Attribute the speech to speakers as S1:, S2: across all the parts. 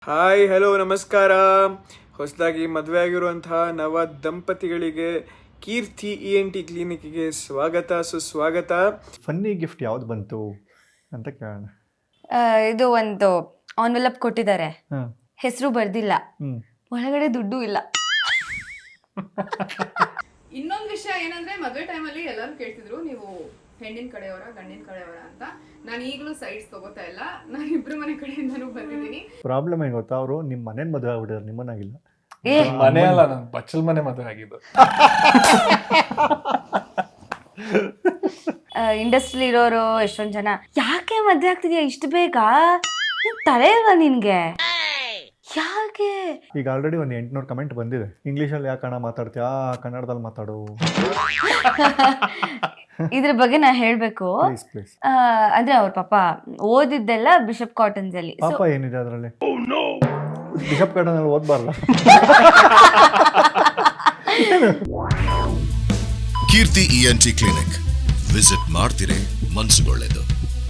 S1: Hi hello ನಮಸ್ಕಾರ. ಹೊಸದಾಗಿ ಮದುವೆ ಆಗಿರುವಂತಹ ನವ ದಂಪತಿಗಳಿಗೆ ಕೀರ್ತಿ ENT ಕ್ಲಿನಿಕ್ಗೆ ಸ್ವಾಗತ ಸುಸ್ವಾಗತ.
S2: ಫನ್ನಿ ಗಿಫ್ಟ್ ಯಾವ್ದು ಬಂತು ಅಂತ ಕೇಳೋಣ.
S3: ಇದು ಒಂದು ಆನ್ವೆಲಪ್ ಕೊಟ್ಟಿದ್ದಾರೆ,
S2: ಹಾಂ
S3: ಹೆಸರು ಬರ್ದಿಲ್ಲ, ಒಳಗಡೆ ದುಡ್ಡು ಇಲ್ಲ.
S4: ಇನ್ನೊಂದು ವಿಷಯ ಏನಂದ್ರೆ ಮದುವೆ ಟೈಮಲ್ಲಿ ಎಲ್ಲರೂ ಕೇಳ್ತಿದ್ರು ನೀವು ಹೆಣ್ಣಿನ ಕಡೆಯವರ ಗಂಡಿನ ಕಡೆಯವರ ಅಂತ. ನಾನು ಈಗಲೂ ಸೈಡ್ಸ್ ತಗೋತಾ ಇಲ್ಲ, ನಾನು ಇಬ್ರು ಮನೆ ಕಡೆಯಿಂದನೂ ಬಂದಿದ್ದೀನಿ.
S2: ಪ್ರಾಬ್ಲಮ್ ಏನು ಗೊತ್ತಾ, ಅವರು ನಿಮ್ಮ ಮನೇನ ಮದುವೆ ಆಗ್ಬಿಟ್ಟಿದ್ದಾರೆ, ನಿಮ್ಮನ್ನಾಗಿಲ್ಲ.
S5: ಮನೆ ಅಲ್ಲ, ನಾನು ಬಚ್ಚಲ್ ಮನೆ ಮದುವೆ ಆಗಿದ್ದು.
S3: ಇಂಡಸ್ಟ್ರಿ ಇರೋರು ಎಷ್ಟೊಂದ್ ಜನ ಯಾಕೆ ಮದ್ವೆ ಆಗ್ತಿದ್ಯಾ ಇಷ್ಟು ಬೇಗ, ತಲೆ ಇಲ್ವಾ ನಿನ್ಗೆ, ಯಾಕೆ?
S2: ಈಗ ಆಲ್ರೆಡಿ ಒಂದು 800 ಕಮೆಂಟ್ ಬಂದಿದೆ. ಇಂಗ್ಲೀಷಲ್ಲಿ ಯಾಕೆ ಕನ್ನಡ ಮಾತಾಡ್ತೀಯಾ, ಕನ್ನಡದಲ್ಲಿ ಮಾತಾಡು
S3: ಇದ್ರ ಬಗ್ಗೆ ನಾ ಹೇಳ್ಬೇಕು.
S2: Please please.
S3: ಅಂದ್ರೆ ಅವ್ರ ಪಾಪ ಓದಿದ್ದೆಲ್ಲ ಬಿಷಪ್ ಕಾಟನ್ಸ್ ಅಲ್ಲಿ.
S2: ಪಾಪ ಏನಿದೆ ಅದರಲ್ಲಿ? ಬಿಷಪ್ ಗಾರ್ಡನಲ್ಲಿ ಓದ್ಬಾರ್ದ?
S6: ಕೀರ್ತಿ ENT ಕ್ಲಿನಿಕ್ ವಿಸಿಟ್ ಮಾಡ್ತಿರೇ ಮನ್ಸುಗೊಳ್ಳೆದು.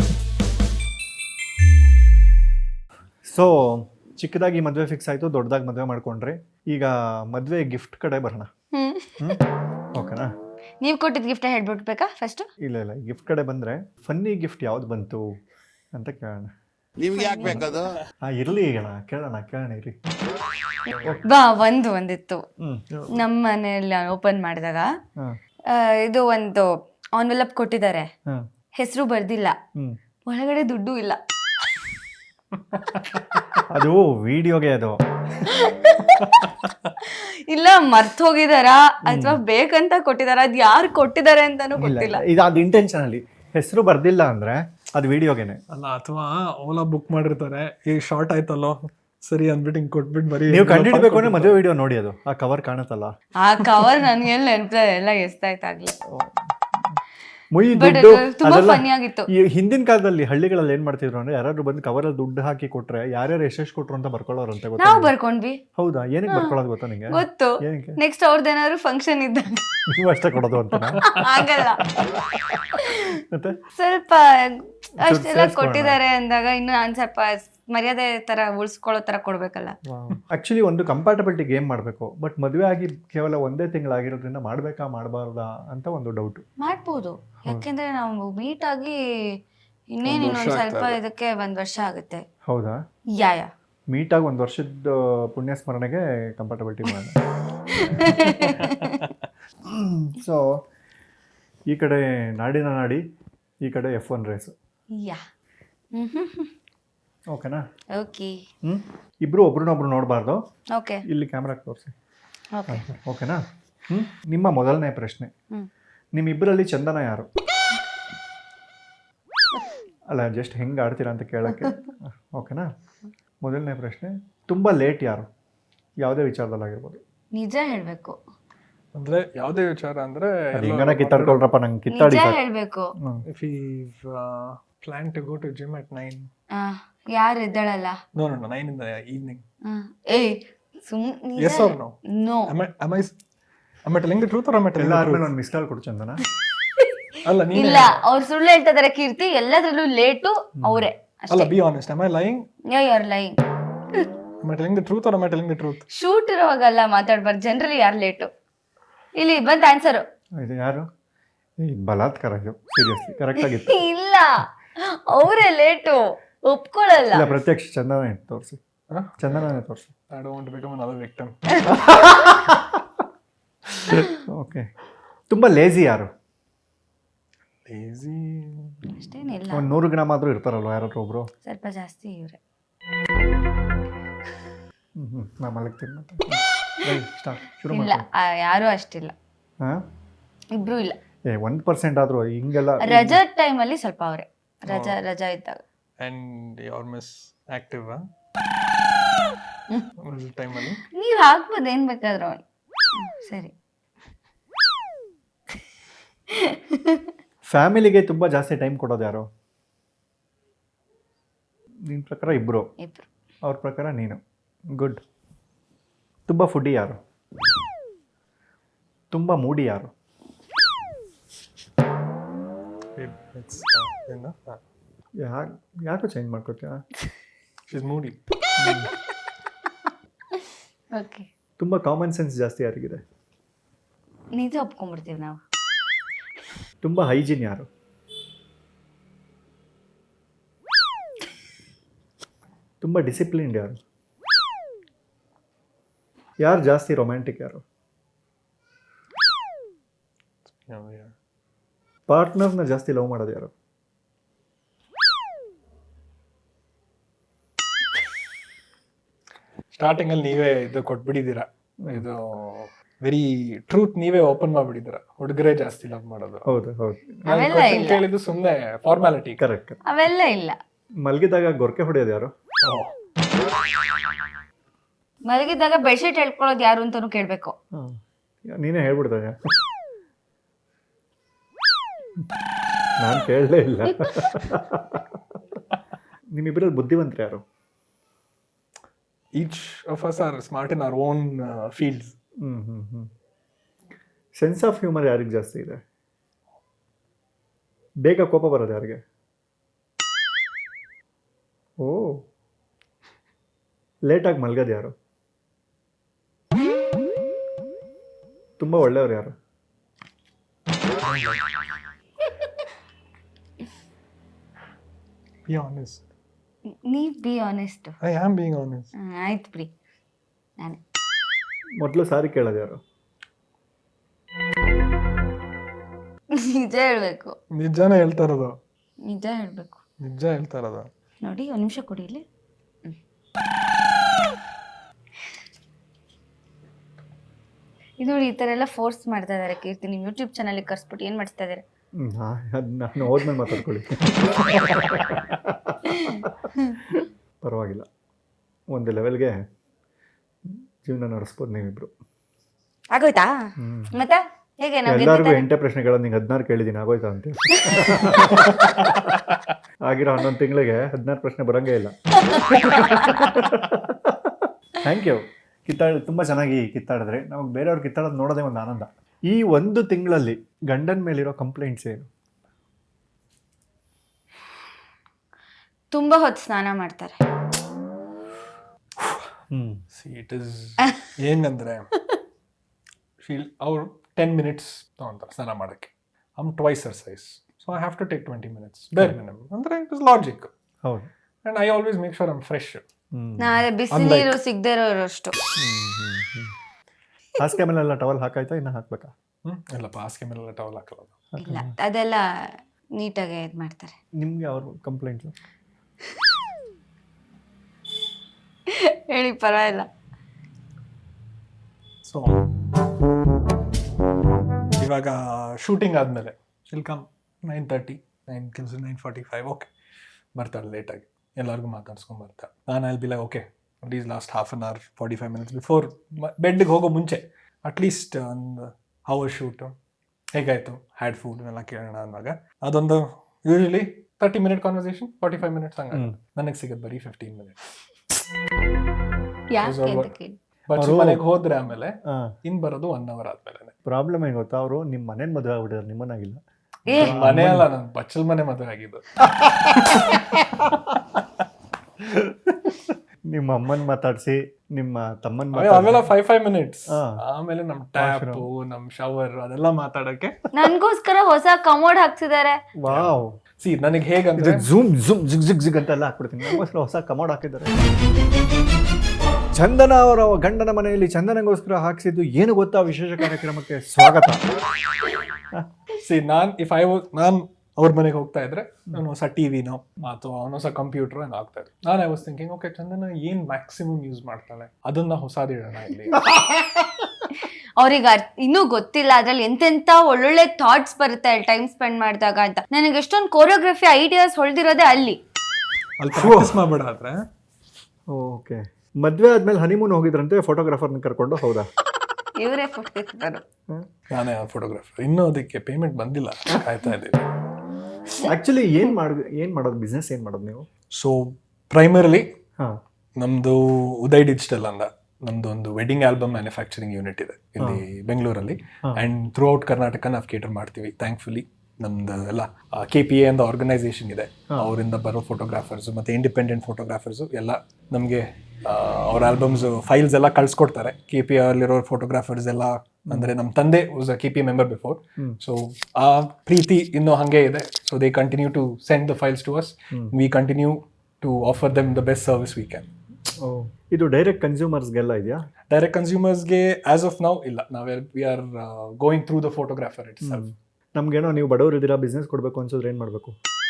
S2: ಸೊ ಚಿಕ್ಕದಾಗಿ ಮದುವೆ ಫಿಕ್ಸ್ ಆಯಿತು, ದೊಡ್ಡದಾಗಿ ಮದುವೆ ಮಾಡ್ಕೊಂಡ್ರಿ. ಈಗ ಮದುವೆ ಗಿಫ್ಟ್ ಕಡೆ ಬರೋಣ. ಓಕೆನಾ?
S3: ನೀವ್ ಕೊಟ್ಟಿದ್ ಗಿಫ್ಟ್ ಹೇಳ್ಬಿಡ್ಬೇಕಾ ಫಸ್ಟ್?
S2: ಇಲ್ಲ, ಗಿಫ್ಟ್ ಕಡೆ ಬಂದರೆ ಫನ್ನಿ ಗಿಫ್ಟ್ ಯಾವ್ದು ಬಂತು ಅಂತ ಕೇಳೋಣ.
S7: ನಿಮ್ಗೆ ಯಾಕೆ ಬೇಕದು?
S2: ಇರಲಿ, ಈಗ ಕೇಳೋಣ ಇರಿ.
S3: ಬಾ, ಒಂದಿತ್ತು ನಮ್ಮ ಮನೆಯಲ್ಲಿ ಓಪನ್ ಮಾಡಿದಾಗ. ಇದು ಒಂದು ಆನ್ವೆಲಪ್ ಕೊಟ್ಟಿದ್ದಾರೆ, ಹೆಸರು ಬರ್ದಿಲ್ಲ, ಒಳಗಡೆ ದುಡ್ಡು ಇಲ್ಲ.
S2: ಅದು ವಿಡಿಯೋಗೆ ಅದು
S3: ಇಲ್ಲ ಮರ್ತ್ ಹೋಗಿದಾರಾ ಅಥವಾ ಬೇಕಂತ ಕೊಟ್ಟಿದಾರ, ಅದ್ ಯಾರು ಕೊಟ್ಟಿದ್ದಾರೆ ಅಂತಾನು ಗೊತ್ತಿಲ್ಲ.
S2: ಇದು ಅದು ಇಂಟೆನ್ಷನಲಿ ಹೆಸರು ಬರ್ದಿಲ್ಲ ಅಂದ್ರೆ ಅದು ವಿಡಿಯೋಗೆನೆ
S5: ಅಲ್ಲ, ಅಥವಾ ಓಲಾ ಬುಕ್ ಮಾಡಿರ್ತಾರೆ, ಈಗ ಶಾರ್ಟ್ ಆಯ್ತಲ್ಲೋ ಸರಿ ಅಂದ್ಬಿಟ್ಟು ಹಿಂಗ್ ಕೊಟ್ಬಿಟ್ಟು ಬರೀ
S2: ನೀವು ಕಂಡಿಡ್ಬೇಕು ಅಂದ್ರೆ ಮದುವೆ ವಿಡಿಯೋ ನೋಡಿ, ಅದು ಆ ಕವರ್ ಕಾಣುತ್ತಲ್ಲ,
S3: ಆ ಕವರ್ ನನ್ಗೆಲ್ಲ ನೆನಪಿಲ್ಲ, ಎಲ್ಲ ಎಷ್ಟಾಯ್ತಾಗ್ಲಿ.
S2: ಮುಯಿ
S3: ಬಟ್
S2: ದುಡ್ಡು
S3: ತುಂಬಾ
S2: ಅದೆಲ್ಲ.
S3: ಫನಿ ಆಗಿತ್ತು.
S2: ಈ ಹಿಂದಿನ ಕಾಲದಲ್ಲಿ ಹಳ್ಳಿಗಳಲ್ಲಿ ಏನ್ ಮಾಡ್ತಿದ್ರು ಅಂದ್ರೆ, ಯಾರಾದ್ರೂ ಬಂದು ಕವರಲ್ಲಿ ದುಡ್ಡು ಹಾಕಿ ಕೊಟ್ರೆ ಯಾರ್ಯಾರು ಎಷ್ಟೆಷ್ಟು ಕೊಟ್ರು ಅಂತ ಬರ್ಕೊಳ್ಳೋರಂತೆ. ಗೊತ್ತಾ?
S3: ನಾವು ಬರ್ಕೊಂಡ್ವಿ.
S2: ಹೌದಾ? ಏನಕ್ಕೆ ಬರ್ಕೊಳ್ಳೋದು ಗೊತ್ತಾ ನಿಂಗೆ?
S3: ಗೊತ್ತು.
S2: ಏನಕ್ಕೆ?
S3: ನೆಕ್ಸ್ಟ್ ಅವ್ರದ್ದೇನಾದ್ರು ಫಂಕ್ಷನ್ ಇದ್ದಾಗ
S2: ನೀವು ಅಷ್ಟೇ ಕೊಡೋದು ಅಂತ
S3: ಆಗಲ್ಲ.
S2: ಮತ್ತೆ
S3: ಸ್ವಲ್ಪ ಅಷ್ಟೆಲ್ಲ ಕೊಟ್ಟಿದ್ದಾರೆ ಅಂದಾಗ ಇನ್ನು ನಾನ್ ಸ್ವಲ್ಪ ಮರ್ಯಾದೆ ತರ ಉಳಿಸ್ಕೊಳ್ಳೋ ತರ ಕೊಡ್ಬೇಕಲ್ಲ.
S2: ಆಕ್ಚುಲಿ ಒಂದು ಕಂಪ್ಯಾಟಬಿಲಿಟಿ ಗೇಮ್ ಮಾಡಬೇಕು. ಬಟ್ ಮದುವೆ ಆಗಿ ಕೇವಲ ಒಂದೇ ತಿಂಗಳಾಗಿರೋದ್ರಿಂದ ಮಾಡ್ಬೇಕಾ ಮಾಡಬಾರ್ದಾ ಅಂತ ಒಂದು ಡೌಟ್.
S3: ಮಾಡ್ಬೋದು, ಯಾಕೆಂದ್ರೆ ನಾವು ಮೀಟ್ ಆಗಿ ಇನ್ನೊಂದ್ ಸ್ವಲ್ಪ ಇದಕ್ಕೆ 1 ವರ್ಷ ಆಗುತ್ತೆ.
S2: ಹೌದಾ?
S3: ಯಾ
S2: ಮೀಟ್ ಆಗಿ 1 ವರ್ಷದ ಪುಣ್ಯ ಸ್ಮರಣೆಗೆ ಕಂಪ್ಯಾಟಬಿಲಿಟಿ ಮಾಡೋಣ. ಸೊ ಈ ಕಡೆ ನಾಡಿನ ನಾಡಿ, ಈ ಕಡೆ F1 ರೇಸು.
S3: ಯಾ
S2: ಓಕೆನಾ?
S3: ಓಕೆ
S2: ಇಬ್ರು ಒಬ್ರನ್ನೊಬ್ರು ನೋಡಬಾರ್ದು.
S3: ಓಕೆ
S2: ಇಲ್ಲಿ ಕ್ಯಾಮ್ರಾಗೆ ತೋರಿಸಿ.
S3: ಓಕೆ
S2: ಓಕೆನಾ? ನಿಮ್ಮ ಮೊದಲನೇ ಪ್ರಶ್ನೆ, ನಿಮ್ಮಿಬ್ಬರಲ್ಲಿ ಚಂದನ ಯಾರು? ಅಲ್ಲ, ಜಸ್ಟ್ ಹೆಂಗೆ ಆಡ್ತೀರಾ ಅಂತ ಕೇಳೋಕ್ಕೆ. ಓಕೆನಾ? ಮೊದಲನೇ ಪ್ರಶ್ನೆ, ತುಂಬ ಲೇಟ್ ಯಾರು, ಯಾವುದೇ ವಿಚಾರದಲ್ಲಾಗಿರ್ಬೋದು.
S3: ನಿಜ ಹೇಳ್ಬೇಕು.
S5: ಅಂದ್ರೆ ಯಾವ್ದೇ ವಿಚಾರ ಅಂದ್ರೆ
S2: ಹಿಂಗನ ಕಿತ್ತಾಡ್ಕೊಳ್ರಪ್ಪ, ನಂಗೆ ಕಿತ್ತಾಡಿ.
S3: ನಿಜ ಹೇಳ್ಬೇಕು.
S5: If you plan to go to gym at 9.
S3: ಯಾರು ಇದ್ದಾಳಲ್ಲ?
S5: No 9 in the evening.
S3: ಏಯ್
S5: Yes or no?
S3: No.
S5: Am I telling the truth or am I telling the
S2: ಎಲ್ಲಾದ್ಮೇಲೆ
S5: truth?
S2: ಒಂದು ಮಿಸ್ ಕಾಲ್ ಕೊಡು ಚಂದನ.
S5: ಅಲ್ಲ, ನೀನು
S3: ಇಲ್ಲ, ಅವ್ರು ಸುಳ್ಳು ಹೇಳ್ತಾ ಇದಾರೆ ಕೀರ್ತಿ, ಎಲ್ಲದ್ರಲ್ಲೂ ಲೇಟು ಅವರೇ.
S5: ಅಲ್ಲ, be honest. Am I lying?
S3: You are lying.
S5: Am I telling the truth or am I telling the truth?
S3: Shoot ಇರೋವಾಗಲ್ಲ ಮಾತಾಡ್ಬಾರ್ದು, ಜನರಲಿ ಯಾರು ಲೇಟು. ಇಲ್ಲಿ ಬಂತ ಆನ್ಸರು.
S2: ಇದು ಯಾರು? ಈ ಬಲಾತ್ಕಾರ, ಇದು ಸೀರಿಯಸ್ಲಿ ಕರೆಕ್ಟ್ ಆಗಿತ್ತು.
S3: ಇಲ್ಲ, ಅವರೇ ಲೇಟು, ಒಪ್ಕೊಳ್ಳಲ್ಲ.
S2: ಇಲ್ಲ, ಪ್ರತ್ಯಕ್ಷ ಚಂದನ ತೋರಿಸಿ. ಚಂದನನೇ ತೋರಿಸಿ.
S5: I don't want to become another victim.
S2: Okay. ತುಂಬ ಲೇಜಿ ಯಾರು?
S5: Lazy.
S3: ಅಷ್ಟೇನಿಲ್ಲ,
S2: ಒಂದು 100 ಗ್ರಾಮ್ ಆದರೂ ಇರ್ತಾರಲ್ವ ಯಾರಾದ್ರೂ ಒಬ್ರು.
S3: ಸ್ವಲ್ಪ ಜಾಸ್ತಿ ಇವ್ರೆ.
S2: ನಾ ಮಲಗ್ತೀನಿ ಮತ್ತೆ. ಸ್ಟಾರ್ಟ್ ಶುರು
S3: ಇಲ್ಲ,
S2: ಮಾಡಿ.
S3: ಯಾರು ಅಷ್ಟಿಲ್ಲ,
S2: ಹಾಂ,
S3: ಇಬ್ರು ಇಲ್ಲ.
S2: 1% ಆದರೂ ಹಿಂಗೆಲ್ಲ.
S3: ರಜಾ ಟೈಮಲ್ಲಿ ಸ್ವಲ್ಪ ಅವ್ರೆ, ರಜಾ ಇದ್ದಾಗ.
S5: And your miss active, huh? Time ಅಲ್ಲಿ
S3: ನೀವ್ ಹಾಕ್ಬೋದು ಏನ್ ಬೇಕಾದ್ರೂ. ಸರಿ.
S2: ಫ್ಯಾಮಿಲಿಗೆ ತುಂಬ ಜಾಸ್ತಿ ಟೈಮ್ ಕೊಡೋದು ಯಾರು? ನಿನ್ನ ಪ್ರಕಾರ ಇಬ್ಬರು, ಅವ್ರ ಪ್ರಕಾರ ನೀನು. ಗುಡ್. ತುಂಬ ಫುಡ್ಡಿ ಯಾರು? ತುಂಬ ಮೂಡಿ ಯಾರು?
S5: enough.
S2: ಯಾಕೋ ಚೇಂಜ್ ಮಾಡ್ಕೊತೀಯ?
S5: She's moody.
S3: ಓಕೆ,
S2: ತುಂಬ ಕಾಮನ್ ಸೆನ್ಸ್ ಜಾಸ್ತಿ ಯಾರಿಗಿದೆ?
S3: ನಿಜ ಒಪ್ಕೊಂಡ್ಬಿಡ್ತೀವಿ ನಾವು.
S2: ತುಂಬ ಹೈಜೀನ್ ಯಾರು? ತುಂಬ ಡಿಸಿಪ್ಲಿನ್ಡ್ ಯಾರು? ಯಾರು ಜಾಸ್ತಿ ರೊಮ್ಯಾಂಟಿಕ್ ಯಾರು? ಪಾರ್ಟ್ನರ್ನ ಜಾಸ್ತಿ ಲವ್ ಮಾಡೋದು ಯಾರು?
S5: ಸ್ಟಾರ್ಟಿಂಗ್ ಅಲ್ಲಿ ನೀವೇ ಇದು ಕೊಟ್ಬಿಟ್ಟಿದ್ದೀರಾ, ಇದು ವೆರಿ ಟ್ರೂತ್ ನೀವೇ ಓಪನ್ ಮಾಡ್ಬಿಟ್ಟಿದ್ದೀರಾ. ಹುಡುಗರೇ ಜಾಸ್ತಿ ಲವ್ ಮಾಡೋದು.
S2: ಹೌದು ಹೌದು,
S5: ನಾನು
S3: ಅವೆಲ್ಲ
S5: question
S3: ಇಲ್ಲ.
S5: ಕೇಳಿದ್ದು ಸುಮ್ಮನೆ ಫಾರ್ಮಾಲಿಟಿ.
S2: ಕರೆಕ್ಟ್.
S3: ಅವೆಲ್ಲ ಇಲ್ಲ.
S2: ಮಲಗಿದಾಗ ಗೊರಕೆ ಹೊಡೆಯೋದು ಯಾರು?
S3: ಮಲಗಿದ್ದಾಗ ಬೆಡ್ಶೀಟ್ ಹೇಳ್ಕೊಳ್ಳೋದು ಯಾರು ಅಂತಾನು ಕೇಳ್ಬೇಕು.
S2: ನೀನೇ ಹೇಳ್ಬಿಡ್ತಾನೆ. ನಾನು ಕೇಳಲೇ ಇಲ್ಲ. ನಿಮ್ಮಿಬ್ಬರಲ್ಲಿ ಬುದ್ಧಿವಂತರು ಯಾರು?
S5: Each of us are smart in our own fields.
S2: Sense of humour ಯಾರಿಗೆ ಜಾಸ್ತಿ ಇದೆ? ಬೇಗ ಕೋಪ ಬರೋದು ಯಾರಿಗೆ? ಓ, ಲೇಟಾಗಿ ಮಲ್ಗೋದು ಯಾರು? ತುಂಬ ಒಳ್ಳೆಯವ್ರು ಯಾರು?
S5: Be honest.
S3: ನೀವ್ be honest.
S5: I am being honest.
S3: ಆಯ್ತು ಬಿಡಿ, ನಾನೇ.
S2: ಮೊದಲು ಸಾರಿ ಕೇಳೋದು ಯಾರು?
S3: ನಿಜ ಹೇಳ್ಬೇಕು.
S5: ನಿಜಾನೇ ಹೇಳ್ತಾ ಇರೋದು.
S3: ನಿಜ ಹೇಳ್ಬೇಕು.
S5: ನಿಜ ಹೇಳ್ತಾ ಇರೋದು.
S3: ನೋಡಿ, ಒಂದು ನಿಮಿಷ ಕೊಡಿ ಇಲ್ಲಿ. ಇದು ನೋಡಿ, ಈ ಥರ ಎಲ್ಲ ಫೋರ್ಸ್ ಮಾಡ್ತಾ ಇದ್ದಾರೆ ಕೀರ್ತಿ. ನಿಮ್ಮ ಯೂಟ್ಯೂಬ್ ಚಾನಲ್ಗೆ ಕರ್ಸ್ಬಿಟ್ಟು ಏನು ಮಾಡಿಸ್ತಾ ಇದ್ದಾರೆ?
S2: ಅದು ನಾನು ಹೋದ್ಮೇಲೆ ಮಾತಾಡ್ಕೊಳ್ಳಿ. ಪರವಾಗಿಲ್ಲ, ಒಂದು ಲೆವೆಲ್ಗೆ ಜೀವನ ನಡೆಸ್ಬೋದು ನೀವಿಬ್ರು.
S3: ಆಗೋಯ್ತಾ? ಮತ್ತೆ ಹೇಗೆ ನಾವು
S2: ಎಲ್ಲರಿಗೂ 8 ಪ್ರಶ್ನೆಗಳನ್ನು ನಿಂಗೆ 16 ಕೇಳಿದ್ದೀನಿ, ಆಗೋಯ್ತಾ ಅಂತ. ಆಗಿರೋ 11 ತಿಂಗಳಿಗೆ 16 ಪ್ರಶ್ನೆ ಬರೋಂಗೇ ಇಲ್ಲ. Thank you. ತುಂಬ ಚೆನ್ನಾಗಿ ಕಿತ್ತಾಡಿದ್ರೆ. ನಮಗೆ ಬೇರೆಯವ್ರು ಕಿತ್ತಾಡೋದು ನೋಡೋದೇ ಒಂದು ಆನಂದ. ಈ 1 ತಿಂಗಳಲ್ಲಿ ಗಂಡನ ಮೇಲಿರೋ ಕಂಪ್ಲೇಂಟ್ಸ್ ಏನು?
S3: ತುಂಬಾ ಹೊತ್ತು ಸ್ನಾನ ಮಾಡ್ತಾರೆ.
S5: ಇಟ್ ಇಸ್ ಏನಂದ್ರೆ ಅವ್ರು 10 minutes ತಗೊಂತಾರೆ ಸ್ನಾನ ಮಾಡೋಕ್ಕೆ. I'm twice her size, so I have to take 20 minutes ಬೇರೆ ಮಿನಿಮಮ್. ಅಂದರೆ ಇಟ್ ಇಸ್ ಲಾಜಿಕ್.
S2: ಹೌದು.
S5: And I always make sure I'm fresh.
S3: ನಾಳೆ ಬಿಸಿನೀರು ಸಿಗದೆ ಇರೋಷ್ಟು.
S2: ಹಾಸಿಗೆ ಮೇಲೆಲ್ಲ ಟವಲ್ ಹಾಕಾಯ್ತಾ, ಇನ್ನು ಹಾಕ್ಬೇಕಾ?
S5: ಇಲ್ಲಪ್ಪ, ಹಾಸಿಗೆ ಮೇಲೆಲ್ಲ ಟವಲ್ ಹಾಕಲ್ಲ.
S3: ಇಲ್ಲ, ಅದೆಲ್ಲ ನೀಟಾಗಿ ಇದು ಮಾಡ್ತಾರೆ.
S2: ನಿಮಗೆ ಅವ್ರ ಕಂಪ್ಲೇಂಟ್
S3: ಹೇಳಿ, ಪರವಾಗಿಲ್ಲ.
S5: ಸೊ ಇವಾಗ ಶೂಟಿಂಗ್ ಆದಮೇಲೆ ಶಿಲ್ ಕಮ್ 9:30, 9:45. ಓಕೆ, ಬರ್ತಾಳೆ ಲೇಟಾಗಿ, ಎಲ್ಲರಿಗೂ ಮಾತಾಡ್ಸ್ಕೊಂಡು ಬರ್ತಾಳೆ. ನಾನು ಅಲ್ಲಿ ಬಿಲ್ಲ okay please last half an hour 45 minutes before ಬೆಡ್ಗೆ ಹೋಗೋ ಮುಂಚೆ ಅಟ್ಲೀಸ್ಟ್ ಒಂದು ಅವರ್ ಶೂಟು ಹೇಗಾಯಿತು, ಹ್ಯಾಡ್ ಫುಡ್ ಎಲ್ಲ ಕೇಳೋಣ ಅನ್ನುವಾಗ ಅದೊಂದು ಯೂಶಲಿ 30 minute ಕಾನ್ವರ್ಸೇಷನ್, 45 minutes ಹಂಗೆ. ನನಗೆ ಸಿಗೋದು ಬರೀ 15 minutes.
S3: ಯಾಕೆ ಅಂತ ಕೇಳಿ.
S5: ಬಟ್ ಮನೆಗೆ ಹೋದ್ರೆ ಆಮೇಲೆ ಇನ್ ಬರೋದು 1 hour ಆದ್ಮೇಲೆ.
S2: ಪ್ರಾಬ್ಲಮ್ ಏನು ಗೊತ್ತಾ, ಅವರು ನಿಮ್ಮ ಮನೇನ ಮದುವೆ ಆಗ್ಬಿಟ್ಟಿದ್ದಾರೆ, ನಿಮ್ಮನ್ನಾಗಿಲ್ಲ.
S5: ಮನೆ ಅಲ್ಲ, ನಾನು ಬಚ್ಚಲ್ ಮನೆ ಮದುವೆ ಆಗಿದ್ದು.
S2: ನಿಮ್ಮ ಅಮ್ಮನ್ ಮಾತಾಡ್ಸಿ, ನಿಮ್ಮ ತಮ್ಮನ್
S5: ಅವೆಲ್ಲ 5 minutes. ಆಮೇಲೆ ನಮ್ ಟ್ಯಾಪ್, ನಮ್ ಶವರ್ ಅದೆಲ್ಲ ಮಾತಾಡಕ್ಕೆ
S3: ನನ್ಗೋಸ್ಕರ ಹೊಸ ಕಮೋಡ್ ಹಾಕ್ಸಿದ್ದಾರೆ.
S2: ವಾವ್.
S5: ಸಿ ನನಗೆ ಹೇಗಂದ್ರೆ
S2: ಝೂಮ್ ಝೂಮ್ ಜಿಗ್ ಜಿಗ್ ಜಿಗ್ ಅಂತೆಲ್ಲ ಹಾಕ್ಬಿಡ್ತೀನಿ. ನಮಗೋಸ್ಕರ ಹೊಸ ಕಮೋಡ್ ಹಾಕಿದ್ದಾರೆ. ಚಂದನ ಅವರ ಗಂಡನ ಮನೆಯಲ್ಲಿ ಚಂದನಗೋಸ್ಕರ ಹಾಕ್ಸಿದ್ದು ಏನು ಗೊತ್ತಾ? ವಿಶೇಷ ಕಾರ್ಯಕ್ರಮಕ್ಕೆ ಸ್ವಾಗತ.
S5: ಸಿ ನಾನು ಅವ್ರ ಮನೆಗೆ ಹೋಗ್ತಾ ಇದ್ರೆ ನಾನು ಹೊಸ ಟಿವಿನೋ ಅಥವಾ ಹೊಸ ಕಂಪ್ಯೂಟರ್ ಏನೋ ಆಗ್ತಾ ಇದ್ರು. ನಾನು I was thinking, okay Chandana ಏನ್ ಮ್ಯಾಕ್ಸಿಮಮ್ ಯೂಸ್ ಮಾಡ್ತಾಳೆ, ಅದನ್ನ ಹೊಸದಿಡೋಣ ಇಲ್ಲಿ.
S3: ಅವ್ರಿಗೆ ಇನ್ನೂ ಗೊತ್ತಿಲ್ಲ ಅದ್ರಲ್ಲಿ ಎಂತೆಂತ ಒಳ್ಳೊಳ್ಳೆ ಥಾಟ್ಸ್ ಬರುತ್ತೆ ಟೈಮ್ ಸ್ಪೆಂಡ್ ಮಾಡಿದಾಗ ಅಂತ. ನನಗೆ ಎಷ್ಟೊಂದು ಕೋರಿಯೋಗ್ರಫಿ ಐಡಿಯಾಸ್ ಹೊಳ್ದಿರೋದೇ ಅಲ್ಲಿ
S5: ಪ್ರಾಕ್ಟೀಸ್ ಮಾಡ್ಬೇಡ ಆದ್ರೆ.
S2: ಓಕೆ, ಮದ್ವೆ ಆದ್ಮೇಲೆ ಹನಿಮೂನ್ ಹೋಗಿದ್ರಂತೆ ಫೋಟೋಗ್ರಾಫರ್ನ ಕರ್ಕೊಂಡು, ಹೌದಾ?
S3: ಇವರೇ ಫೋಟೋ ಇರ್ತಾರೆ.
S5: ನಾನೇ ಫೋಟೋಗ್ರಾಫರ್. ಇನ್ನೂ ಅದಕ್ಕೆ ಪೇಮೆಂಟ್ ಬಂದಿಲ್ಲ, ಕಾಯ್ತಾ ಇದ್ದೀವಿ.
S2: ಆಕ್ಚುಲಿ ಏನ್ ಮಾಡೋದು ಬಿಸ್ನೆಸ್ ಏನ್ ಮಾಡೋದು ನೀವು?
S5: ಸೊ ಪ್ರೈಮರಿಲಿ
S2: ಹಾ,
S5: ನಮ್ದು ಉದಯ್ ಡಿಜಿಟಲ್ ಅಂದ ನಮ್ದು ಒಂದು ವೆಡ್ಡಿಂಗ್ ಆಲ್ಬಮ್ ಮ್ಯಾನುಫ್ಯಾಕ್ಚರಿಂಗ್ ಯೂನಿಟ್ ಇದೆ ಇಲ್ಲಿ ಬೆಂಗಳೂರಲ್ಲಿ. ಅಂಡ್ ಥ್ರೂ ಔಟ್ ಕರ್ನಾಟಕ ನಾವು ಕೇಟರ್ ಮಾಡ್ತೀವಿ. ಥ್ಯಾಂಕ್ಫುಲಿ ನಮ್ದು ಎಲ್ಲ KPA ಅಂತ ಆರ್ಗನೈಸೇಷನ್ ಇದೆ, ಅವರಿಂದ ಬರೋ ಫೋಟೋಗ್ರಾಫರ್ಸ್ ಮತ್ತೆ ಇಂಡಿಪೆಂಡೆಂಟ್ ಫೋಟೋಗ್ರಾಫರ್ಸ್ ಎಲ್ಲ ನಮಗೆ ಅವ್ರ ಆಲ್ಬಮ್ಸ್ ಫೈಲ್ಸ್ ಎಲ್ಲ ಕಳ್ಸಿಕೊಡ್ತಾರೆ. KPA ಅಲ್ಲಿರೋ ಫೋಟೋಗ್ರಾಫರ್ಸ್ ಎಲ್ಲ ಅಂದ್ರೆ ನಮ್ಮ ತಂದೆ was a KPA member before, so ಆ ಪ್ರೀತಿ ಇನ್ನೂ ಹಂಗೆ ಇದೆ. So they continue to send the files to us, we continue to offer them the best service we can.
S2: ಇದು ಡೈರೆಕ್ಟ್ ಕನ್ಸ್ಯೂಮರ್ಸ್ಗೆಲ್ಲ ಇದೆಯಾ?
S5: ಡೈರೆಕ್ಟ್ ಕನ್ಸ್ಯೂಮರ್ಸ್ಗೆ ಆಸ್ ಆಫ್ ನೌ ಇಲ್ಲ, we are going through the photographer itself.
S2: ನಮ್ಗೇನೋ ನೀವು ಬಡವರು ಇದ್ದೀರಾ, business ಕೊಡಬೇಕು ಅನ್ಸಿದ್ರೆ ಏನು ಮಾಡಬೇಕು?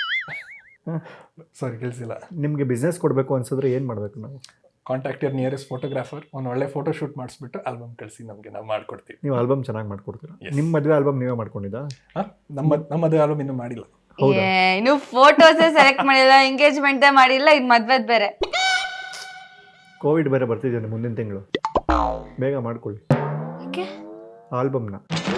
S5: ಸಾರಿ ಕೇಳಿಸಿಲ್ಲ.
S2: ನಿಮಗೆ ಬಿಸ್ನೆಸ್ ಕೊಡಬೇಕು ಅನ್ಸಿದ್ರೆ ಏನು ಮಾಡಬೇಕು ನಾವು?
S5: ಕಾಂಟ್ಯಾಕ್ಟ್ ಯುವರ್ ನಿಯರೆಸ್ಟ್ ಫೋಟೋಗ್ರಾಫರ್, ಒಂದು ಒಳ್ಳೆ ಫೋಟೋ ಶೂಟ್ ಮಾಡಿಸ್ಬಿಟ್ಟು ಆಲ್ಬಮ್ ಕಳಿಸಿ, ನಮಗೆ ನಾವು ಮಾಡ್ಕೊಡ್ತೀವಿ.
S2: ನೀವು ಆಲ್ಬಮ್ ಚೆನ್ನಾಗಿ ಮಾಡ್ಕೊಡ್ತೀರಾ? ನಿಮ್ಮ ಮದುವೆ ಆಲ್ಬಮ್ ನೀವೇ ಮಾಡ್ಕೊಂಡಿದ್ದಾ?
S5: ನಮ್ಮದೇ ಆಲ್ಬಮ್ ಇನ್ನೂ ಮಾಡಿಲ್ಲ.
S3: ಇನ್ನು ಫೋಟೋಸೇ ಸೆಲೆಕ್ಟ್ ಮಾಡಿಲ್ಲ, ಎಂಗೇಜ್ಮೆಂಟ್ ಮಾಡಿಲ್ಲ, ಇದು ಮದ್ವೆದ್ ಬೇರೆ.
S2: ಕೋವಿಡ್ ಬೇರೆ ಬರ್ತಿದ್ದೇನೆ ಮುಂದಿನ ತಿಂಗಳು, ಬೇಗ ಮಾಡ್ಕೊಳ್ಳಿ ಆಲ್ಬಮ್ನ.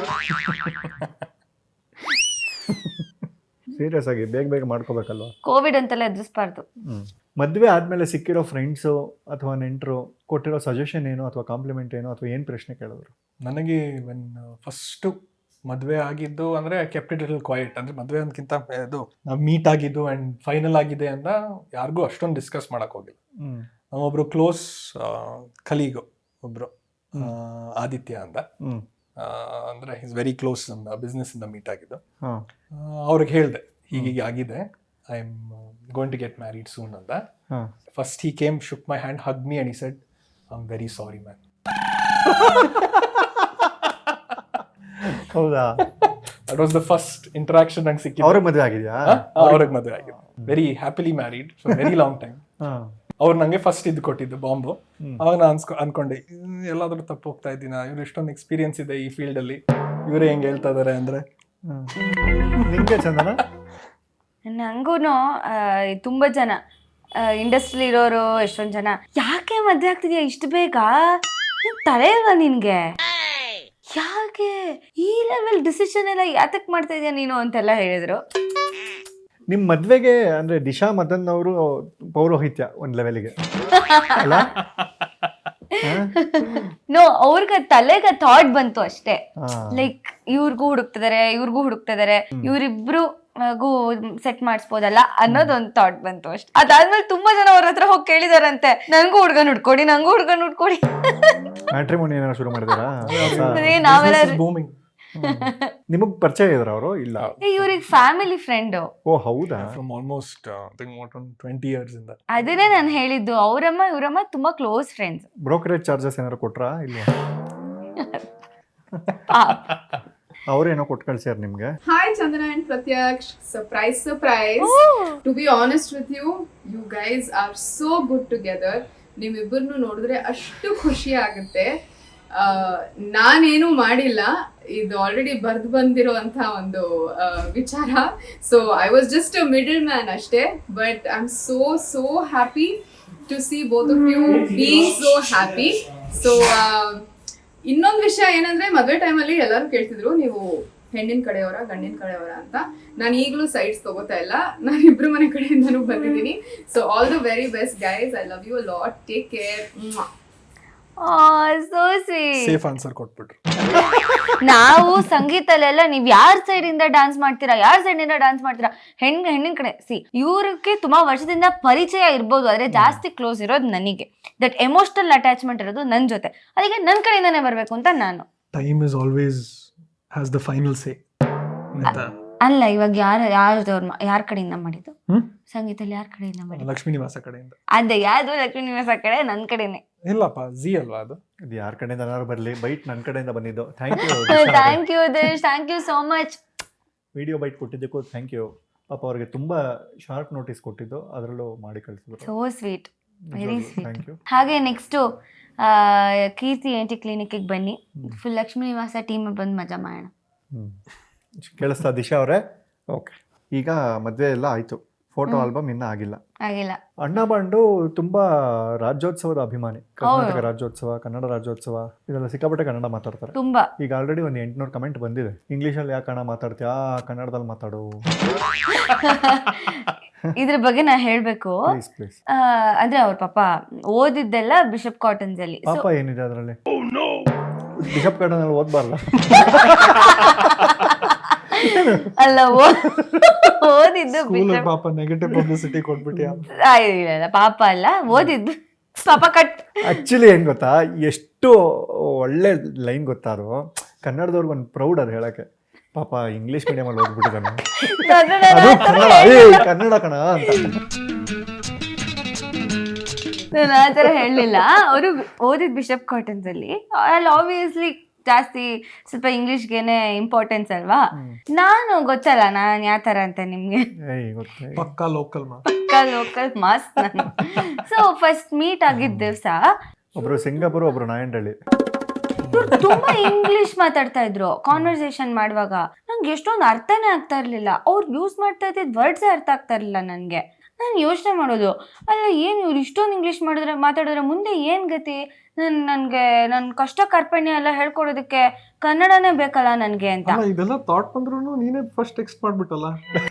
S2: ಸೀರಿಯಸ್ ಆಗಿ ಬೇಗ ಮಾಡ್ಕೋಬೇಕಲ್ವಾ?
S3: ಕೋವಿಡ್ ಅಂತೆಲ್ಲ ಎದುರಿಸಬಾರ್ದು.
S2: ಮದುವೆ ಆದಮೇಲೆ ಸಿಕ್ಕಿರೋ ಫ್ರೆಂಡ್ಸು ಅಥವಾ ನೆಂಟರು ಕೊಟ್ಟಿರೋ ಸಜೆಷನ್ ಏನು ಅಥವಾ ಕಾಂಪ್ಲಿಮೆಂಟ್ ಏನು ಅಥವಾ ಏನು ಪ್ರಶ್ನೆ ಕೇಳಿದ್ರು?
S5: ನನಗೆ ಫಸ್ಟು ಮದುವೆ ಆಗಿದ್ದು ಅಂದರೆ ಕೆಪ್ಟ್ ಇಟ್ ಲಿಟಲ್ ಕ್ವೈಟ್. ಅಂದರೆ ಮದುವೆ ಅಂದ್ಕಿಂತ ಇದು ನಾವು ಮೀಟ್ ಆಗಿದ್ದು ಆ್ಯಂಡ್ ಫೈನಲ್ ಆಗಿದೆ ಅಂತ ಯಾರಿಗೂ ಅಷ್ಟೊಂದು ಡಿಸ್ಕಸ್ ಮಾಡೋಕ್ಕೆ ಹೋಗಿಲ್ಲ. ನಮ್ಮೊಬ್ರು ಕ್ಲೋಸ್ ಕಲೀಗು ಒಬ್ಬರು ಆದಿತ್ಯ ಅಂತ, ಅಂದರೆ ಈಸ್ ವೆರಿ ಕ್ಲೋಸ್, ನಮ್ಮ ಬಿಸ್ನೆಸ್ಸಿಂದ ಮೀಟ್ ಆಗಿದ್ದು. ಅವ್ರಿಗೆ ಹೇಳಿದೆ ಹೀಗೆ ಆಗಿದೆ, I am going to get married soon ಅಂತ. First he came, shook my hand, hug me and he said I am very sorry man.
S2: ಹೌದಾ?
S5: That was the first interaction ನಂಗೆ ಸಿಕ್ಕಿದ್ದು.
S2: ಅವ್ರಿಗೆ ಮದುವೆ ಆಗಿದೆಯಾ?
S5: ಅವ್ರಿಗೆ ಮದುವೆ ಆಗಿದೆ, very happily married for very long time. ಅವ್ರು ನಂಗೆ ಫಸ್ಟ್ ಇದು ಕೊಟ್ಟಿದ್ದು ಬಾಂಬು. ಅವಾಗ ನಾನು ಅನ್ಕೊಂಡೆ ಎಲ್ಲಾದ್ರೂ ತಪ್ಪು ಹೋಗ್ತಾ ಇದ್ದೀನ, ಇವ್ರು ಇಷ್ಟೊಂದು ಎಕ್ಸ್ಪೀರಿಯನ್ಸ್ ಇದೆ ಈ ಫೀಲ್ಡ್ ಅಲ್ಲಿ, ಇವರೇ ಹೆಂಗೆ ಹೇಳ್ತಾ ಇದಾರೆ ಅಂದ್ರೆ.
S2: ನಿಂಗೆ ಚಂದನ?
S3: ನಂಗೂ ತುಂಬಾ ಜನ ಇಂಡಸ್ಟ್ರಿ ಇರೋರು, ಎಷ್ಟೊಂದು ಜನ ಯಾಕೆ ಮದ್ವೆ ಆಗ್ತಿದ್ಯಾ ಇಷ್ಟು ಬೇಗ, ತಲೆ ಇಲ್ವಾ ನಿನ್ಗೆ, ಯಾಕೆ ಈ ಲೆವೆಲ್ ಡಿಸಿಷನ್ ಎಲ್ಲ ಯಾತಕ್ ಮಾಡ್ತಾ ಇದೀಯ ನೀನು ಅಂತೆಲ್ಲ ಹೇಳಿದ್ರು.
S2: ನಿಮ್ಮ ಮದ್ವೆಗೆ ಅಂದ್ರೆ ದಿಶಾ ಮದನ್ ಅವರು ಪೌರೋಹಿತ್ಯ ಒಂದ್ ಲೆವೆಲ್ಗೆ ಅಲ್ಲ?
S3: ನೋ, ಅವ್ರಿಗೆ ತಲೆಗೆ ಥಾಟ್ ಬಂತು ಅಷ್ಟೇ. ಲೈಕ್ ಇವ್ರಿಗೂ ಹುಡುಕ್ತಿದಾರೆ, ಇವ್ರಿಬ್ರು ಸೆಟ್ ಮಾಡಿಸ್ಬೋದಲ್ಲ ಅನ್ನೋದೊಂದು ಥಾಟ್ ಬಂತು ಅಷ್ಟೇ. ಅದಾದ್ಮೇಲೆ ತುಂಬಾ ಜನ ಅವ್ರ ಹತ್ರ ಹೋಗಿ ಕೇಳಿದಾರಂತೆ, ನಂಗೂ ಹುಡ್ಗನ್ ಹುಡ್ಕೊಡಿ.
S2: ಮ್ಯಾಟ್ರಿಮೋನಿ ಏನಾರ ಶುರು ಮಾಡಿದಾರಾ?
S3: ನಾವೆಲ್ಲ
S2: ನಿಮಗ್ ಪರಿಚಯ ಇದ್ರ ಅವರು? ಇಲ್ಲ,
S3: ಇವ್ರಿಗೆ ಫ್ಯಾಮಿಲಿ ಫ್ರೆಂಡ್.
S2: ಓ ಹೌದಾ?
S5: ಫ್ರಮ್ ಆಲ್ಮೋಸ್ಟ್ 20 years ಇಂದ.
S3: ಅದನ್ನೇ ನಾನು ಹೇಳಿದ್ದು, ಇವರಮ್ಮ ತುಂಬಾ ಕ್ಲೋಸ್ ಫ್ರೆಂಡ್ಸ್.
S2: ಬ್ರೋಕರೇಜ್ ಚಾರ್ಜಸ್ ಏನಾರು ಕೊಟ್ರಾ? ಇಲ್ವಾ? ಅವ್ರೇನೋ ಕೊಟ್ಟು ಕಳ್ಸ್ಯಾರ ನಿಮ್ಗೆ.
S4: Hi Chandana and Pratyaksh, surprise. To be honest with you, you guys are so good together. ನಿಮ್ಮಿಬ್ಬರನ್ನು ನೋಡಿದ್ರೆ ಅಷ್ಟು ಖುಷಿ ಆಗುತ್ತೆ. ನಾನೇನು ಮಾಡಿಲ್ಲ, ಇದು ಆಲ್ರೆಡಿ ಬರ್ದು ಬಂದಿರೋಂಥ ಒಂದು ವಿಚಾರ. So I was just a middle man ಅಷ್ಟೇ. But I am so happy to see both of you being so happy. So ಇನ್ನೊಂದು ವಿಷಯ ಏನಂದ್ರೆ, ಮದುವೆ ಟೈಮಲ್ಲಿ ಎಲ್ಲರೂ ಕೇಳ್ತಿದ್ರು ನೀವು ಹೆಣ್ಣಿನ ಕಡೆಯವರ ಗಂಡಿನ ಕಡೆಯವರ ಅಂತ. ನಾನು ಈಗಲೂ ಸೈಡ್ಸ್ ತಗೋತಾ ಇಲ್ಲ, ನಾನು ಇಬ್ರು ಮನೆ ಕಡೆಯಿಂದನೂ ಬಂದಿದ್ದೀನಿ. So all the very best guys, I love you a lot, take care.
S3: So sweet.
S5: Safe answer ಕೊಟ್ಬಿಟ್ರು.
S3: ನಾವು ಸಂಗೀತಲ್ಲೆಲ್ಲ ನೀವ್ ಯಾರ ಸೈಡ್ ಇಂದ ಡಾನ್ಸ್ ಮಾಡ್ತೀರಾ, ಹೆಣ್ಣಿನ ಕಡೆ. ಇವ್ರಿಗೆ ತುಂಬಾ ವರ್ಷದಿಂದ ಪರಿಚಯ ಇರ್ಬೋದು, ಆದ್ರೆ ಜಾಸ್ತಿ ಕ್ಲೋಸ್ ಇರೋದು ನನಗೆ. ದಟ್ ಎಮೋಷನಲ್ ಅಟ್ಯಾಚ್ಮೆಂಟ್ ಇರೋದು ನನ್ ಜೊತೆ, ಅದಕ್ಕೆ ನನ್ ಕಡೆಯಿಂದಾನೇ ಬರ್ಬೇಕು ಅಂತ ನಾನು.
S5: Time is always has the final say.
S3: ಅಲ್ಲ, ಇವಾಗ ಯಾರ ಕಡೆಯಿಂದ ಮಾಡಿದ್ದು ಸಂಗೀತಲ್ಲಿ? ಯಾರ ಕಡೆಯಿಂದ ಮಾಡಿದ್ದು?
S5: ಲಕ್ಷ್ಮೀ ನಿವಾಸ ಕಡೆಯಿಂದ.
S3: ಅದೇ ಯಾವ್ದು ಲಕ್ಷ್ಮೀ ನಿವಾಸ ಕಡೆ, ನನ್ ಕಡೆನೆ.
S5: ಇಲ್ಲಪ್ಪ, ಜಿ ಅಲ್ವಾ ಅದು?
S2: ಇದು ಯಾರ ಕಡೆಯಿಂದ ಏನಾದ್ರು ಬರ್ಲಿ, ಬೈಟ್ ನನ್ನ ಕಡೆಯಿಂದ ಬಂದಿದ್ದು. Thank
S3: thank you Dish, thank you so much.
S2: Video bite ಕೊಟ್ಟಿದ್ದಕ್ಕೂ ಥ್ಯಾಂಕ್ ಯು. ಪಾಪ ಅವ್ರಿಗೆ ತುಂಬಾ ಶಾರ್ಟ್ ನೋಟಿಸ್ ಕೊಟ್ಟಿದ್ದು, ಅದರಲ್ಲೂ ಮಾಡಿ ಕಳಿಸಿದ್ರು.
S3: So sweet, very sweet.
S2: Thank you.
S3: ಹಾಗೆ ನೆಕ್ಸ್ಟ್ ಕೀರ್ತಿ ENT ಕ್ಲಿನಿಕ್ಗೆ ಬನ್ನಿ, ಫುಲ್ ಲಕ್ಷ್ಮೀ ನಿವಾಸ ಟೀಮ್ ಬಂದು ಮಜಾ ಮಾಡೋಣ.
S2: ಕೇಳಿಸ್ತಾ ದಿಶಾ ಅವರೇ? ಓಕೆ, ಈಗ ಮದುವೆ ಎಲ್ಲ ಆಯ್ತು, ಫೋಟೋ ಆಲ್ಬಮ್ ಇನ್ನೂ ಆಗಿಲ್ಲ. ಅಣ್ಣ ಬಾಂಡು ತುಂಬಾ ರಾಜ್ಯೋತ್ಸವದ ಅಭಿಮಾನಿ. ಕರ್ನಾಟಕ ರಾಜ್ಯೋತ್ಸವ, ಕನ್ನಡ ರಾಜ್ಯೋತ್ಸವ, ಇದೆಲ್ಲ ಸಿಕ್ಕಾಪಟ್ಟೆ ಕನ್ನಡ ಮಾತಾಡ್ತಾರೆ
S3: ತುಂಬಾ.
S2: ಈಗ ಆಲ್ರೆಡಿ ಒಂದು 800 ಕಮೆಂಟ್ ಬಂದಿದೆ. ಇಂಗ್ಲೀಷಲ್ಲಿ ಯಾಕೆ ಕನ್ನಡ ಮಾತಾಡ್ತೀಯಾ, ಕನ್ನಡದಲ್ಲಿ ಮಾತಾಡು.
S3: ಇದ್ರ ಬಗ್ಗೆ ನಾ ಹೇಳ್ಬೇಕು.
S2: ಪ್ಲೀಸ್.
S3: ಅಂದ್ರೆ ಅವ್ರ ಪಾಪ ಓದಿದ್ದೆಲ್ಲ ಬಿಷಪ್ ಕಾಟನ್ಸ್ ಅಲ್ಲಿ.
S2: ಪಾಪ ಏನಿದೆ ಅದರಲ್ಲಿ? ಬಿಷಪ್ ಕಾಟನ್ ಅಲ್ಲಿ ಓದ್ಬಾರ್ದ?
S3: ಅಲ್ಲ ಓದಿದ್ದು
S5: ಸ್ಕೂಲ್
S3: ಬಿಷಪ್
S5: ಪಾಪ ನೆಗೆಟಿವ್ ಪಬ್ಲಿಸಿಟಿ ಕೊಟ್ಬಿಟ್ಟಿ.
S3: ಇಲ್ಲ ಪಾಪ ಅಲ್ಲ, ಓದಿದ್ದು ಪಾಪ ಕಟ್.
S2: ಆಕ್ಚುಲಿ ಏನ್ ಗೊತ್ತಾ, ಎಷ್ಟು ಒಳ್ಳೆ ಲೈನ್ ಗೊತ್ತಾ ಅದು. ಕನ್ನಡದವ್ರಿಗೆ ಒಂದು ಪ್ರೌಡ್ ಅದು ಹೇಳಕ್ಕೆ. ಪಾಪ ಇಂಗ್ಲಿಷ್ ಮೀಡಿಯಂ ಅಲ್ಲಿ ಓದ್ಬಿಟ್ಟಿದ್ದಾನೆ, ಅದು ಕನ್ನಡ, ಕನ್ನಡ ಕಣ ಅಂತ.
S3: ನಾನು ಆ ಥರ ಹೇಳಲಿಲ್ಲ. ಅವರು ಓದಿದ್ ಬಿಷಪ್ ಕಾಟನ್ಸ್ ಅಲ್ಲಿ ಆಬ್ವಿಯಸ್ಲಿ ಜಾಸ್ತಿ ಸ್ವಲ್ಪ ಇಂಗ್ಲಿಷ್ಗೆನೆ ಇಂಪಾರ್ಟೆನ್ಸ್ ಅಲ್ವಾ. ನಾನು ಗೊತ್ತಲ್ಲ ನಾನು ಯಾವ ಥರ ಅಂತ ನಿಮ್ಗೆ,
S5: ಪಕ್ಕಾ ಲೋಕಲ್
S3: ಲೋಕಲ್ ಮಾಸ್ ನಾನು. ಸೊ ಫಸ್ಟ್ ಮೀಟ್ ಆಗಿದ್ದ ದಿವಸ
S2: ಒಬ್ರು ಸಿಂಗಾಪುರ್, ಒಬ್ರು ನಾಯಂಡಳ್ಳಿ.
S3: ತುಂಬಾ ಇಂಗ್ಲಿಷ್ ಮಾತಾಡ್ತಾ ಇದ್ರು ಕಾನ್ವರ್ಸೇಷನ್ ಮಾಡುವಾಗ. ನಂಗೆ ಎಷ್ಟೊಂದು ಅರ್ಥನೇ ಆಗ್ತಾ ಇರ್ಲಿಲ್ಲ. ಅವ್ರು ಯೂಸ್ ಮಾಡ್ತಾ ಇದ್ದಿದ್ ವರ್ಡ್ಸೇ ಅರ್ಥ ಆಗ್ತಾ ಇರ್ಲಿಲ್ಲ ನನಗೆ. ನಾನು ಯೋಚನೆ ಮಾಡೋದು, ಅಲ್ಲ ಏನು ಇವ್ರು ಇಷ್ಟೊಂದು ಇಂಗ್ಲಿಷ್ ಮಾತಾಡಿದ್ರೆ ಮುಂದೆ ಏನ್ ಗತಿ. ನನ್ಗೆ ನನ್ನ ಕಷ್ಟ ಕಾರ್ಪಣ್ಯ ಎಲ್ಲ ಹೇಳ್ಕೊಡೋದಕ್ಕೆ ಕನ್ನಡನೇ ಬೇಕಲ್ಲ ನನ್ಗೆ ಅಂತ.
S5: ಇದೆಲ್ಲ ಥಾಟ್ ಬಂದ್ರು ನೀನೇ ಫಸ್ಟ್ ಟೆಕ್ಸ್ಟ್ ಮಾಡ್ಬಿಟ್ಟಲ್ಲ.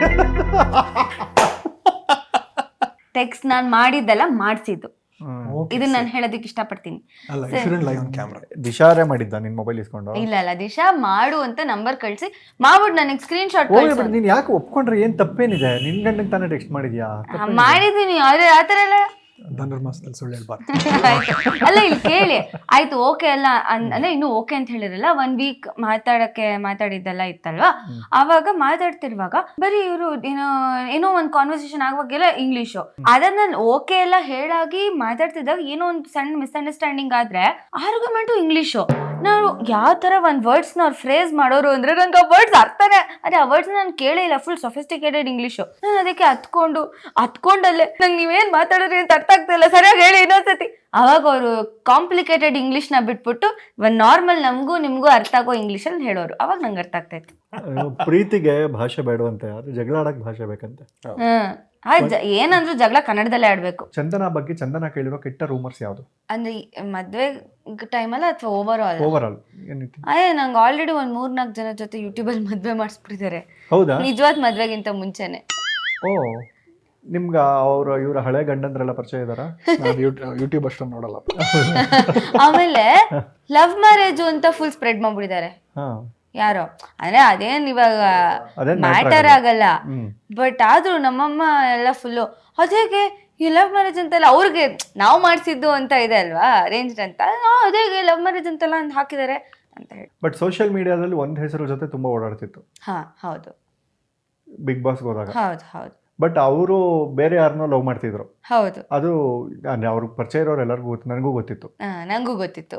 S3: ಟೆಕ್ಸ್ಟ್ ನಾನು ಮಾಡಿದ್ದೆಲ್ಲ ಮಾಡ್ಸಿದ್ದು. ಇದನ್ನ ನಾನು ಹೇಳೋದಕ್ಕೆ ಇಷ್ಟಪಡ್ತೀನಿ.
S2: ದಿಶಾರೇ ಮಾಡಿದ್ದ ನಿನ್ ಮೊಬೈಲ್ ಇಸ್ಕೊಂಡು?
S3: ಇಲ್ಲ ದಿಶಾ ಮಾಡು ಅಂತ ನಂಬರ್ ಕಳ್ಸಿ ಮಾಡ್ಬಿಟ್ಟು ನನಗೆ ಸ್ಕ್ರೀನ್ ಶಾಟ್ ಕಳ್ಸಿ.
S2: ನೀನ್ ಯಾಕೆ ಒಪ್ಕೊಂಡ್ರೆ ಏನ್ ತಪ್ಪೇನಿದೆ? ನಿನ್ ಗಂಡನ್ ತಾನೇ ಟೆಕ್ಸ್ಟ್ ಮಾಡಿದ್ಯಾ?
S3: ಮಾಡಿದೀನಿ, ಆದ್ರೆ ಆತರ ಎಲ್ಲ
S5: ಧನುರ್ಮಾಸದಲ್ಲಿ ಸುಳ್ಳು ಹೇಳ್ಬಾರ್ದು.
S3: ಅಲ್ಲ ಇಲ್ಲಿ ಕೇಳಿ ಆಯ್ತು, ಓಕೆ ಅಲ್ಲ ಅಂದ್ರೆ ಇನ್ನು ಓಕೆ ಅಂತ ಹೇಳಿರಲ್ಲ. 1 ವೀಕ್ ಮಾತಾಡಿದ್ದೆಲ್ಲ ಇತ್ತಲ್ವಾ, ಅವಾಗ ಮಾತಾಡ್ತಿರುವಾಗ ಬರೀ ಇವರು ಏನೋ ಒಂದ್ ಕಾನ್ವರ್ಸೇಷನ್ ಆಗುವಾಗೆಲ್ಲ ಇಂಗ್ಲಿಷು. ಅದನ್ನ ನಾನು ಓಕೆ ಎಲ್ಲ ಹೇಳಾಗಿ ಮಾತಾಡ್ತಿದ್ದಾಗ ಏನೋ ಒಂದು ಸಣ್ಣ ಮಿಸ್ಅಂಡರ್ಸ್ಟ್ಯಾಂಡಿಂಗ್ ಆದ್ರೆ ಆರ್ಗ್ಯುಮೆಂಟು ಇಂಗ್ಲಿಷು. ನಾವು ಯಾವ ತರ ಒಂದ್ ವರ್ಡ್ಸ್ ನ ಅವ್ರು ಫ್ರೇಸ್ ಮಾಡೋರು ಅಂದ್ರೆ ನಂಗೆ ಆ ವರ್ಡ್ಸ್ ಅರ್ಥನೇ, ಅದೇ ಆ ವರ್ಡ್ಸ್ ನಾನು ಕೇಳೇ ಇಲ್ಲ. Full sophisticated English. ನಾನು ಅದಕ್ಕೆ ಹತ್ಕೊಂಡಲ್ಲೇ ನಂಗೆ ನೀವೇನ್ ಮಾತಾಡೋರಿ ಅಂತ ಅರ್ಥ ಆಗ್ತಾ ಇಲ್ಲ, ಸರಿಯಾಗಿ ಹೇಳಿ ಇನ್ನೊಂದ್ಸತಿ. ಅವಾಗ ಅವರು ಕಾಂಪ್ಲಿಕೇಟೆಡ್ ಇಂಗ್ಲಿಷ್ ನ ಬಿಟ್ಬಿಟ್ಟು ಒಂದ್ ನಾರ್ಮಲ್ ನಮಗೂ ನಿಮ್ಗೂ ಅರ್ಥ ಆಗೋ ಇಂಗ್ಲಿಷ್ ಅಲ್ಲಿ ಹೇಳೋರು. ಅವಾಗ ನಂಗೆ ಅರ್ಥ ಆಗ್ತಾ ಇತ್ತು.
S2: ಪ್ರೀತಿಗೆ ಭಾಷೆ ಬೇಡವಂತೆ, ಆದ್ರೆ ಜಗಳ ಆಡಕ್ ಭಾಷೆ ಬೇಕಂತೆ.
S3: ಏನಂದ್ರು ಜಗಳ ಕನ್ನಡದಲ್ಲೇ ಆಡ್ಬೇಕು.
S2: ಚಂದನ ಬಗ್ಗೆ ಚಂದನ ಕೇಳಿರೋ ಕೆಟ್ಟ ರೂಮರ್ಸ್ ಯಾವ್ದು?
S3: ಅಂದ್ರೆ ಮದ್ವೆ ಟೈಮಲ್ಲ ಅಥವಾ ಓವರ್ ಆಲ್?
S2: ಓವರ್
S3: ನಂಗೆ ಆಲ್ರೆಡಿ ಒಂದ್ 3-4 ಜನ ಜೊತೆ ಯೂಟ್ಯೂಬ್ ಅಲ್ಲಿ ಮದ್ವೆ ಮಾಡಿಸ್ಬಿಟ್ಟಿದ್ದಾರೆ.
S2: ಹೌದಾ?
S3: ನಿಜವಾದ ಮದ್ವೆಗಿಂತ ಮುಂಚೆನೆ.
S2: ಓ, ನಿಮ್ಗ ಇವ್ರ ಹಳೆ ಗಂಡಂದ್ರೆಲ್ಲ ಪರಿಚಯ ಇದಾರ?
S5: ಯೂಟ್ಯೂಬ್ ಅಷ್ಟೊಂದು ನೋಡಲ್ಲ.
S3: ಆಮೇಲೆ ಲವ್ ಮ್ಯಾರೇಜ್ ಅಂತ ಫುಲ್ ಸ್ಪ್ರೆಡ್ ಮಾಡ್ಬಿಟ್ಟಿದ್ದಾರೆ ಯಾರೋ. ಅಂದ್ರೆ ಅದೇನ್ ಇವಾಗ ಮ್ಯಾಟರ್ ಆಗಲ್ಲ, ಬಟ್ ಆದ್ರೂ ನಮ್ಮಮ್ಮ ಎಲ್ಲ ಫುಲ್ಲು ಅದೇಗೆ ಈ ಲವ್ ಮ್ಯಾರೇಜ್ ಅಂತೆಲ್ಲ ಅವ್ರಿಗೆ ನಾವು ಮಾಡಿಸಿದ್ದು ಅಂತ ಇದೆ ಅಲ್ವಾ, ಅರೇಂಜ್ಡ್ ಅಂತ. ಅದೇಗೆ ಲವ್ ಮ್ಯಾರೇಜ್ ಅಂತೆಲ್ಲ ಹಾಕಿದ್ದಾರೆ ಅಂತ ಹೇಳಿ.
S2: ಬಟ್ ಸೋಷಿಯಲ್ ಮೀಡಿಯಾದಲ್ಲಿ ಒಂದ್ ಹೆಸರು ಜೊತೆ ತುಂಬಾ ಓಡಾಡ್ತಿತ್ತು.
S3: ಹೌದು,
S2: ಬಿಗ್ ಬಾಸ್ ಹೋದಾಗ.
S3: ಹೌದು.
S2: ಬಟ್ ಅವರು ಬೇರೆ ಯಾರನ್ನೋ ಲವ್ ಮಾಡ್ತಿದ್ರು.
S3: ಹೌದು,
S2: ಅದು ಅವ್ರಿಗೆ ಪರಿಚಯ ಇರೋರು ಎಲ್ಲರಿಗೂ ಗೊತ್ತು, ನನಗೂ ಗೊತ್ತಿತ್ತು.
S3: ನಂಗೂ ಗೊತ್ತಿತ್ತು.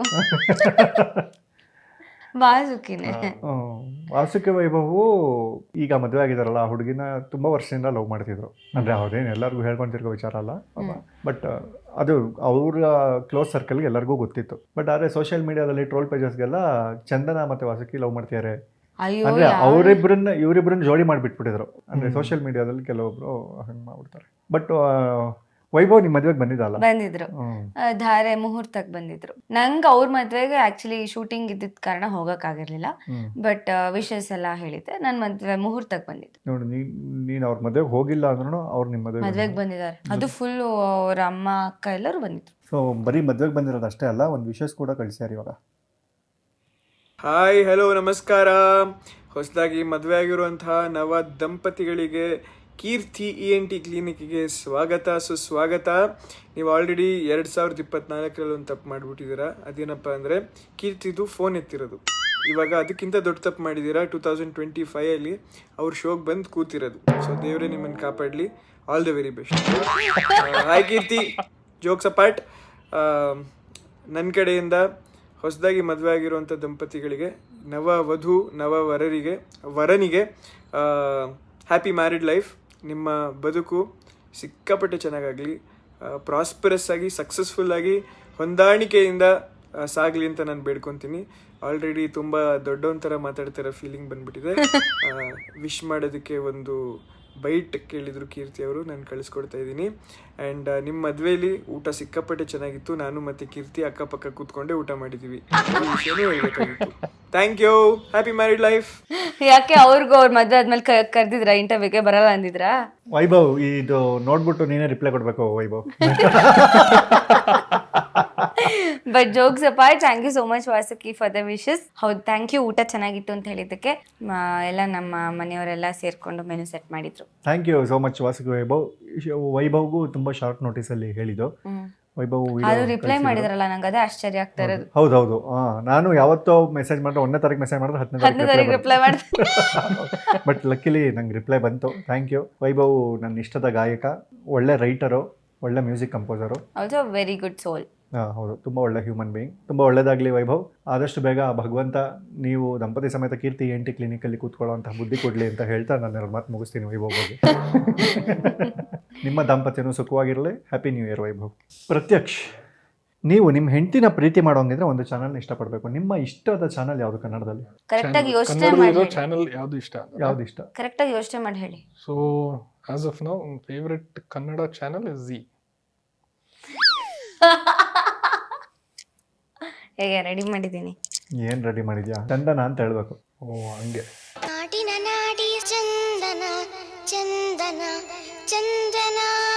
S2: ವಾಸುಕಿ ವೈಭವ್ ಈಗ ಮದುವೆ ಆಗಿದಾರಲ್ಲ, ಆ ಹುಡುಗಿನ ತುಂಬಾ ವರ್ಷದಿಂದ ಲವ್ ಮಾಡ್ತಿದ್ರು. ಅಂದ್ರೆ ಅವ್ರೇನು ಎಲ್ಲರಿಗೂ ಹೇಳ್ಕೊಂತಿರ್ಗೋ ವಿಚಾರ ಅಲ್ಲ, ಬಟ್ ಅದು ಅವ್ರ ಕ್ಲೋಸ್ ಸರ್ಕಲ್ಗೆ ಎಲ್ಲರಿಗೂ ಗೊತ್ತಿತ್ತು. ಬಟ್ ಆದ್ರೆ ಸೋಷಿಯಲ್ ಮೀಡಿಯಾದಲ್ಲಿ ಟ್ರೋಲ್ ಪೇಜಸ್ಗೆಲ್ಲ ಚಂದನ ಮತ್ತೆ ವಾಸುಕಿ ಲವ್ ಮಾಡ್ತಿದ್ದಾರೆ ಅಂದ್ರೆ ಇವರಿಬ್ಬರನ್ನ ಜೋಡಿ ಮಾಡಿಬಿಟ್ಬಿಟ್ಟಿದ್ರು. ಅಂದ್ರೆ ಸೋಷಿಯಲ್ ಮೀಡಿಯಾದಲ್ಲಿ ಕೆಲವೊಬ್ರು ಹಂಗ್ ಮಾಡ್ಬಿಡ್ತಾರೆ. ಬಟ್ ವೈಭವ್ ನಿಮ್ ಮದ್ವೆಗೆ
S3: ಬಂದಿದ್ರು, ಧಾರೆ ಮುಹೂರ್ತಕ್ಕೆ ಬಂದಿದ್ರು. ನಂಗೆ ಅವ್ರ ಮದ್ವೆಗೆ ಆಕ್ಚುಲಿ ಶೂಟಿಂಗ್ ಇದ್ದಿದ್ ಕಾರಣ ಹೋಗಕ್ ಆಗಿರ್ಲಿಲ್ಲ, ಬಟ್ ವಿಶಸ್ ಎಲ್ಲ ಹೇಳಿದ್ದೆ. ನನ್ ಮದ್ವೆ ಮುಹೂರ್ತಕ್ಕೆ ಬಂದಿದ್ರು.
S2: ನೋಡಿ, ನೀನ್ ಅವ್ರ ಮದ್ವೆಗೆ ಹೋಗಿಲ್ಲ ಅಂದ್ರೂ ಅವ್ರು ನಿಮ್
S3: ಮದ್ವೆಗೆ ಬಂದಿದ್ದಾರೆ. ಅದು ಫುಲ್ ಅವ್ರ ಅಮ್ಮ ಅಕ್ಕ ಎಲ್ಲರೂ ಬಂದಿದ್ರು.
S2: ಸೊ ಬರೀ ಮದ್ವೆಗೆ ಬಂದಿರೋದು ಅಷ್ಟೇ ಅಲ್ಲ, ಒಂದು ವಿಶಸ್ ಕೂಡ ಕಳಿಸ್ಯಾರ ಇವಾಗ.
S1: ಹಾಯ್, ಹಲೋ, ನಮಸ್ಕಾರ. ಹೊಸದಾಗಿ ಮದುವೆ ಆಗಿರುವಂತಹ ನವ ದಂಪತಿಗಳಿಗೆ ಕೀರ್ತಿ ENT ಕ್ಲಿನಿಕ್ಗೆ ಸುಸ್ವಾಗತ. ನೀವು ಆಲ್ರೆಡಿ 2024 ಒಂದು ತಪ್ಪು ಮಾಡಿಬಿಟ್ಟಿದ್ದೀರಾ. ಅದೇನಪ್ಪ ಅಂದರೆ ಕೀರ್ತಿದು ಫೋನ್ ಎತ್ತಿರೋದು. ಇವಾಗ ಅದಕ್ಕಿಂತ ದೊಡ್ಡ ತಪ್ಪು ಮಾಡಿದ್ದೀರಾ. 2025 ಅವ್ರ ಶೋಗೆ ಬಂದು ಕೂತಿರೋದು. ಸೊ ದೇವರೇ ನಿಮ್ಮನ್ನು ಕಾಪಾಡಲಿ. All the very best. Hi Keerthi, jokes apart, ನನ್ನ ಕಡೆಯಿಂದ ಹೊಸದಾಗಿ ಮದುವೆ ಆಗಿರುವಂಥ ದಂಪತಿಗಳಿಗೆ, ನವ ವಧು ನವ ವರನಿಗೆ ಹ್ಯಾಪಿ ಮ್ಯಾರಿಡ್ ಲೈಫ್. ನಿಮ್ಮ ಬದುಕು ಸಿಕ್ಕಾಪಟ್ಟೆ ಚೆನ್ನಾಗಾಗಲಿ, ಪ್ರಾಸ್ಪರಸ್ ಆಗಿ, ಸಕ್ಸಸ್ಫುಲ್ ಆಗಿ, ಹೊಂದಾಣಿಕೆಯಿಂದ ಸಾಗಲಿ ಅಂತ ನಾನು ಬೇಡ್ಕೊತೀನಿ. ಆಲ್ರೆಡಿ ತುಂಬ ದೊಡ್ಡವನ ಥರ ಮಾತಾಡ್ತಿರೋ ಫೀಲಿಂಗ್ ಬಂದ್ಬಿಟ್ಟಿದೆ. ವಿಶ್ ಮಾಡೋದಕ್ಕೆ ಒಂದು ಬೈಟ್ ಕೇಳಿದ್ರು ಕೀರ್ತಿ ಅವರು, ನಾನು ಕಳಿಸ್ಕೊಡ್ತಾ ಇದ್ದೀನಿ. ಆ್ಯಂಡ್ ನಿಮ್ಮ ಮದುವೆಯಲ್ಲಿ ಊಟ ಸಿಕ್ಕಾಪಟ್ಟೆ ಚೆನ್ನಾಗಿತ್ತು. ನಾನು ಮತ್ತು ಕೀರ್ತಿ ಅಕ್ಕಪಕ್ಕ ಕೂತ್ಕೊಂಡೆ ಊಟ ಮಾಡಿದ್ದೀವಿ. ವಿಷಯನೂ ಹೇಳ್ಬೇಕಾಗಿತ್ತು. Thank you. Happy married life.
S3: ಯಾಕೆ ಅವ್ರಿಗೂ ಅವ್ರ ಮದುವೆ ಆದ್ಮೇಲೆ ಕರೆದಿದ್ರಾ ಇಂಟರ್ವ್ಯೂಗೆ? ಬರಲ್ಲ ಅಂದಿದ್ರಾ?
S2: ವೈಭವ್ ಇದು ನೋಡ್ಬಿಟ್ಟು ನೀನೇ ರಿಪ್ಲೈ ಕೊಡ್ಬೇಕು Vaibhav.
S3: But jokes apart, thank you so much Vasuki for the wishes. ಹೌದು, ಥ್ಯಾಂಕ್ ಯು. ಊಟ ಚೆನ್ನಾಗಿತ್ತು ಅಂತ ಹೇಳಿದ್ದಕ್ಕೆ ಎಲ್ಲ ನಮ್ಮ ಮನೆಯವರೆಲ್ಲ ಸೇರ್ಕೊಂಡು ಮೆನು ಸೆಟ್ ಮಾಡಿದ್ರು.
S2: Thank you so much Vasuki ವೈಭವ್ಗೂ ತುಂಬ ಶಾರ್ಟ್ ನೋಟಿಸಲ್ಲಿ ಹೇಳಿದ್ದು. ವೈಭವ್
S3: ಅದು ರಿಪ್ಲೈ ಮಾಡಿದ್ರಲ್ಲ, ನಂಗೆ ಅದೇ ಆಶ್ಚರ್ಯ ಆಗ್ತಾ ಇರೋದು.
S2: ಹೌದೌದು. ನಾನು ಯಾವತ್ತೋ ಮೆಸೇಜ್ ಮಾಡಿದ್ರೆ 1ನೇ ತಾರೀಕು ಮೆಸೇಜ್ ಮಾಡಿದ್ರೆ 10ನೇ
S3: 10ನೇ ತಾರೀಕು ರಿಪ್ಲೈ ಮಾಡ್ತೀನಿ.
S2: ಬಟ್ ಲಕ್ಕಿಲಿ ನಂಗೆ ರಿಪ್ಲೈ ಬಂತು. Thank you. ವೈಭವ್ ನನ್ನ ಇಷ್ಟದ ಗಾಯಕ, ಒಳ್ಳೆ ರೈಟರು, ಒಳ್ಳೆ music composer,
S3: also very good soul.
S2: ಹೌದು, ತುಂಬ ಒಳ್ಳೆ ಹ್ಯೂಮನ್ ಬೀಯಿಂಗ್. ತುಂಬ ಒಳ್ಳೇದಾಗಲಿ ವೈಭವ್. ಆದಷ್ಟು ಬೇಗ ಭಗವಂತ ನೀವು ದಂಪತಿ ಸಮೇತ ಕೀರ್ತಿ ENT ಕ್ಲಿನಿಕಲ್ಲಿ ಕೂತ್ಕೊಳ್ಳೋಂತಹ ಬುದ್ಧಿ ಕೊಡಲಿ ಅಂತ ಹೇಳ್ತಾ ನಾನು ಮಾತು ಮುಗಿಸ್ತೀನಿ ವೈಭವ್ ಬಗ್ಗೆ. ನಿಮ್ಮ ದಾಂಪತ್ಯನೂ ಸುಖವಾಗಿರಲಿ. Happy new year Vaibhav. Prathyaksh, ನೀವು ನಿಮ್ಮ ಹೆಂಡತಿನ ಪ್ರೀತಿ ಮಾಡೋಂಗಿದ್ರೆ ಒಂದು ಚಾನಲ್ನ ಇಷ್ಟಪಡಬೇಕು. ನಿಮ್ಮ ಇಷ್ಟದ ಚಾನಲ್ ಯಾವುದು ಕನ್ನಡದಲ್ಲಿ?
S3: ಕರೆಕ್ಟಾಗಿ ಯೋಚನೆ ಮಾಡಿ.
S5: ಚಾನಲ್ ಯಾವ್ದು ಇಷ್ಟ?
S2: ಯಾವ್ದು ಇಷ್ಟ?
S3: ಕರೆಕ್ಟಾಗಿ ಯೋಚನೆ ಮಾಡಿ ಹೇಳಿ.
S5: So as of now favourite Kannada channel is Zee.
S3: ಹೇಗೆ ರೆಡಿ ಮಾಡಿದ್ದೀನಿ?
S2: ಏನು ರೆಡಿ ಮಾಡಿದ್ಯಾ? ಚಂದನ ಅಂತ ಹೇಳ್ಬೇಕು.
S5: ಓ ಹಂಗೆ.
S7: ನಾಟಿನ ನಾಡಿ ಚಂದನ ಚಂದನ ಚಂದನ.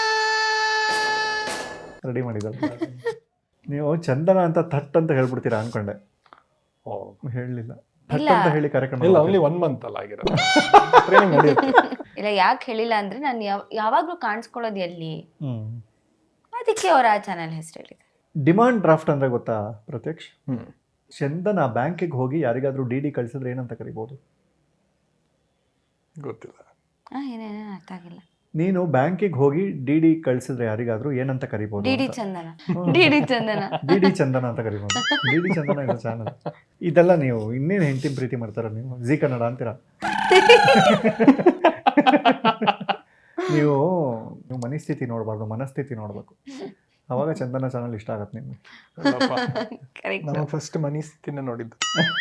S2: ರೆಡಿ ಮಾಡಿದಲ್ಲ ನೀವು. ಚಂದನ ಅಂತ ಥಟ್ ಅಂತ ಹೇಳ್ಬಿಡ್ತೀರಾ ಅನ್ಕೊಂಡೆ.
S5: ಓ
S2: ಹೇಳಲಿಲ್ಲ. ಥಟ್ ಅಂತ ಹೇಳಿ ಕಾರ್ಯಕ್ರಮ
S5: ಇಲ್ಲ, ಓನ್ಲಿ 1 month ಅಲ್ಲ ಆಗಿರೋದು. ಟ್ರೈನಿಂಗ್ ನಡೆಯುತ್ತೆ.
S3: ಇಲ್ಲ, ಯಾಕೆ ಹೇಳಿಲ್ಲ ಅಂದ್ರೆ ನಾನು ಯಾವಾಗ್ಲೂ ಕಾಣಿಸ್ಕೊಳ್ಳೋದು ಎಲ್ಲಿ, ಅದಕ್ಕೆ ಅವ್ರ ಆ ಚಾನಲ್ ಹೆಸರು ಹೇಳಿದೆ.
S2: ಡಿಮಾಂಡ್ ಡ್ರಾಫ್ಟ್ ಅಂದ್ರೆ ಗೊತ್ತಾ ಪ್ರತ್ಯಕ್ಷ್? ಚಂದನ ಬ್ಯಾಂಕಿಗೆ ಹೋಗಿ ಯಾರಿಗಾದ್ರೂ DD ಕಳಿಸಿದ್ರೆ ಏನಂತ ಕರಿಬೋದು?
S5: ಗೊತ್ತಿಲ್ಲ.
S3: ಏನೇನೇನು ಅರ್ಥ ಆಗಿಲ್ಲ.
S2: ನೀನು ಬ್ಯಾಂಕಿಗೆ ಹೋಗಿ DD ಕಳಿಸಿದ್ರೆ ಯಾರಿಗಾದ್ರೂ ಏನಂತ ಕರಿಬೋದು?
S3: DD Chandana. DD Chandana.
S2: DD Chandana ಅಂತ ಕರಿಬೋದು. DD ಚಂದನ ಇದು ಚಾನಲ್. ಇದೆಲ್ಲ ನೀವು ಇನ್ನೇನು ಹೆಂಡತಿ ಪ್ರೀತಿ ಮಾಡ್ತಾರ ನೀವು? ಜಿ ಕನ್ನಡ ಅಂತೀರಾ ನೀವು ಮನಸ್ಥಿತಿ ನೋಡಬಾರ್ದು, ಮನಸ್ಥಿತಿ ನೋಡ್ಬೇಕು. ಅವಾಗ ಚಂದನ ಚಾನಲ್ ಇಷ್ಟ ಆಗತ್ತೆ ನಿಮ್ಗೆ.
S5: ನಾನು ಫಸ್ಟ್ ಮನಿ ಸ್ಥಿತಿನ ನೋಡಿದ್ದು.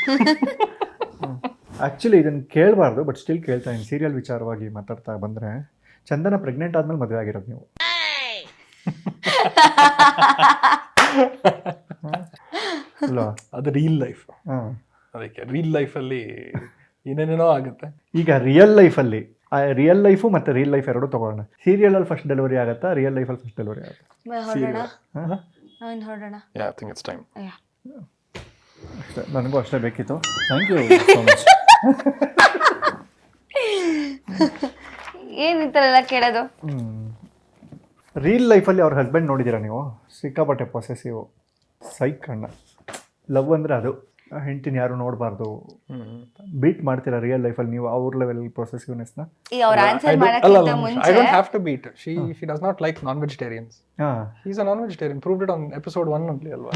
S2: ಆ್ಯಕ್ಚುಲಿ ಇದನ್ನು ಕೇಳಬಾರ್ದು, ಬಟ್ ಸ್ಟಿಲ್ ಕೇಳ್ತಾ ಇದ್ದೀನಿ. ಸೀರಿಯಲ್ ವಿಚಾರವಾಗಿ ಮಾತಾಡ್ತಾ ಬಂದರೆ, ಚಂದನ ಪ್ರೆಗ್ನೆಂಟ್ ಆದ್ಮೇಲೆ ಮದುವೆ ಆಗಿರೋದು ನೀವು. ಅಲ್ವಾ?
S5: ಅದು ರಿಯಲ್ ಲೈಫ್.
S2: ಹಾಂ,
S5: ಅದಕ್ಕೆ ರಿಯಲ್ ಲೈಫಲ್ಲಿ ಏನೇನೇನೋ ಆಗುತ್ತೆ.
S2: ಈಗ ರಿಯಲ್ ಲೈಫಲ್ಲಿ ರಿಯಲ್ ಲೈಫು ಮತ್ತು ರಿಯಲ್ ಲೈಫ್ ಎರಡೂ ತೊಗೊಳ್ಳೋಣ. ಸೀರಿಯಲಲ್ಲಿ ಫಸ್ಟ್ ಡೆಲಿವರಿ ಆಗುತ್ತಾ, ರಿಯಲ್ ಲೈಫಲ್ಲಿ ಫಸ್ಟ್ ಡೆಲಿವರಿ ಆಗುತ್ತೆ?
S3: ಹೊರಡೋಣ.
S5: Yeah, I think it's time.
S2: ಅಷ್ಟೇ, ನನಗೂ ಅಷ್ಟೇ ಬೇಕಿತ್ತು. Thank you so much.
S3: ಏನು ಈ ಥರ ಎಲ್ಲ ಕೇಳೋದು?
S2: ರಿಯಲ್ ಲೈಫಲ್ಲಿ ಅವ್ರ ಹಸ್ಬೆಂಡ್ ನೋಡಿದ್ದೀರಾ ನೀವು? ಸಿಕ್ಕಾಪಟ್ಟೆ ಪೊಸೆಸಿವ್ ಸೈಕ್ ಅಣ್ಣ. ಲವ್ ಅಂದರೆ ಅದು. ಹೆಂಡತಿನ ಯಾರು ನೋಡಬಾರ್ದು, ಬೀಟ್ ಮಾಡ್ತೀರಾ ರಿಯಲ್ ಲೈಫಲ್ಲಿ ನೀವು ಅವ್ರ ಲೆವೆಲ್ ಪ್ರೊಸೆಸಿವ್ನೆಸ್ನ?
S3: ಈ ಅವ್ರ ಆನ್ಸರ್ ಮಾಡೋಕ್ಕಿಂತ
S5: I
S3: ಮುಂಚೆ
S5: don't have to beat. She does not like non-vegetarians.
S2: ಹಾಂ,
S5: He's a non-vegetarian. Proved it on episode 1 only, alva.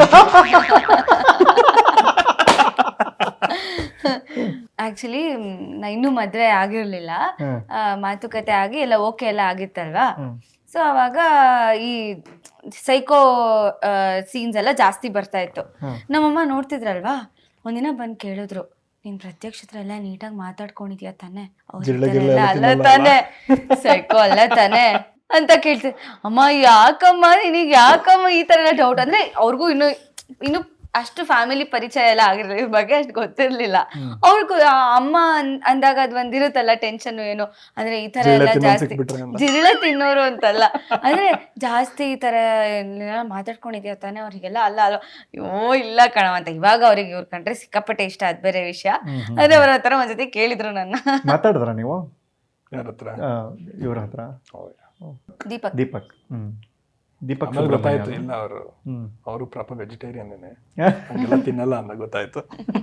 S3: Actually ನಾ ಇನ್ನೂ ಮದುವೆ ಆಗಿರ್ಲಿಲ್ಲ. ಮಾತುಕತೆ ಆಗಿ ಎಲ್ಲ ಓಕೆ ಎಲ್ಲ ಆಗಿತ್ತಲ್ವಾ. ಸೊ ಅವಾಗ ಈ ಸೈಕೋ ಸೀನ್ಸ್ ಎಲ್ಲ ಜಾಸ್ತಿ ಬರ್ತಾ ಇತ್ತು. ನಮ್ಮಮ್ಮ ನೋಡ್ತಿದ್ರಲ್ವಾ, ಒಂದಿನ ಬಂದು ಕೇಳಿದ್ರು, ನೀನ್ ಪ್ರತ್ಯಕ್ಷ ಹತ್ರ ಎಲ್ಲ ನೀಟಾಗಿ ಮಾತಾಡ್ಕೊಂಡಿದ್ಯಾ ತಾನೆ? ಅಲ್ಲ ತಾನೆ, ಸೈಕೋ ಅಲ್ಲ ತಾನೆ ಅಂತ ಕೇಳ್ತಿದ್ರು. ಅಮ್ಮ ಯಾಕಮ್ಮ ನಿನಗೆ ಯಾಕಮ್ಮ ಈ ತರ ಎಲ್ಲ ಡೌಟ್? ಅಂದ್ರೆ ಅವ್ರಿಗೂ ಇನ್ನು ಅಷ್ಟು ಫ್ಯಾಮಿಲಿ ಪರಿಚಯ ಎಲ್ಲ ಆಗಿರಲಿಲ್ಲ, ಇವ್ರ ಬಗ್ಗೆ ಅಷ್ಟು ಗೊತ್ತಿರ್ಲಿಲ್ಲ ಅವ್ರಿಗೂ. ಅಮ್ಮ ಅಂದಾಗ ಅದ್ ಒಂದಿರುತ್ತಲ್ಲ ಟೆನ್ಷನ್, ಏನು ಅಂದ್ರೆ ಈ ತರ ಎಲ್ಲ ಜಾಸ್ತಿ ಜಿರಳ ತಿನ್ನೋರು ಅಂತಲ್ಲ, ಅಂದ್ರೆ ಜಾಸ್ತಿ ಈ ತರ ಮಾತಾಡ್ಕೊಂಡಿದ್ಯಾ ತಾನೆ ಅವ್ರಿಗೆಲ್ಲ? ಅಲ್ಲ ಅಯ್ಯೋ ಇಲ್ಲ ಕಣವ ಅಂತ. ಇವಾಗ ಅವ್ರಿಗೆ ಇವ್ರ ಕಂಡ್ರೆ ಸಿಕ್ಕಾಪಟ್ಟೆ ಇಷ್ಟ, ಅದ್ ಬೇರೆ ವಿಷಯ. ಅದೇ ಅವ್ರ ಹತ್ರ ಒಂದ್ಸತಿ ಕೇಳಿದ್ರು ನನ್ನ.
S2: ಮಾತಾಡಿದ್ರ ನೀವು
S5: ಯಾರ ಹತ್ರ?
S2: ಇವ್ರ ಹತ್ರ?
S3: ದೀಪಕ್.
S2: ದೀಪಕ್. ದೀಪಕ್
S5: ಗೊತ್ತಾಯ್ತು. ಇಲ್ಲ, ಅವರು ಪ್ರಾಪರ್ ವೆಜಿಟೇರಿಯನ್ ತಿನ್ನಲ್ಲ ಅಂತ ಗೊತ್ತಾಯ್ತು.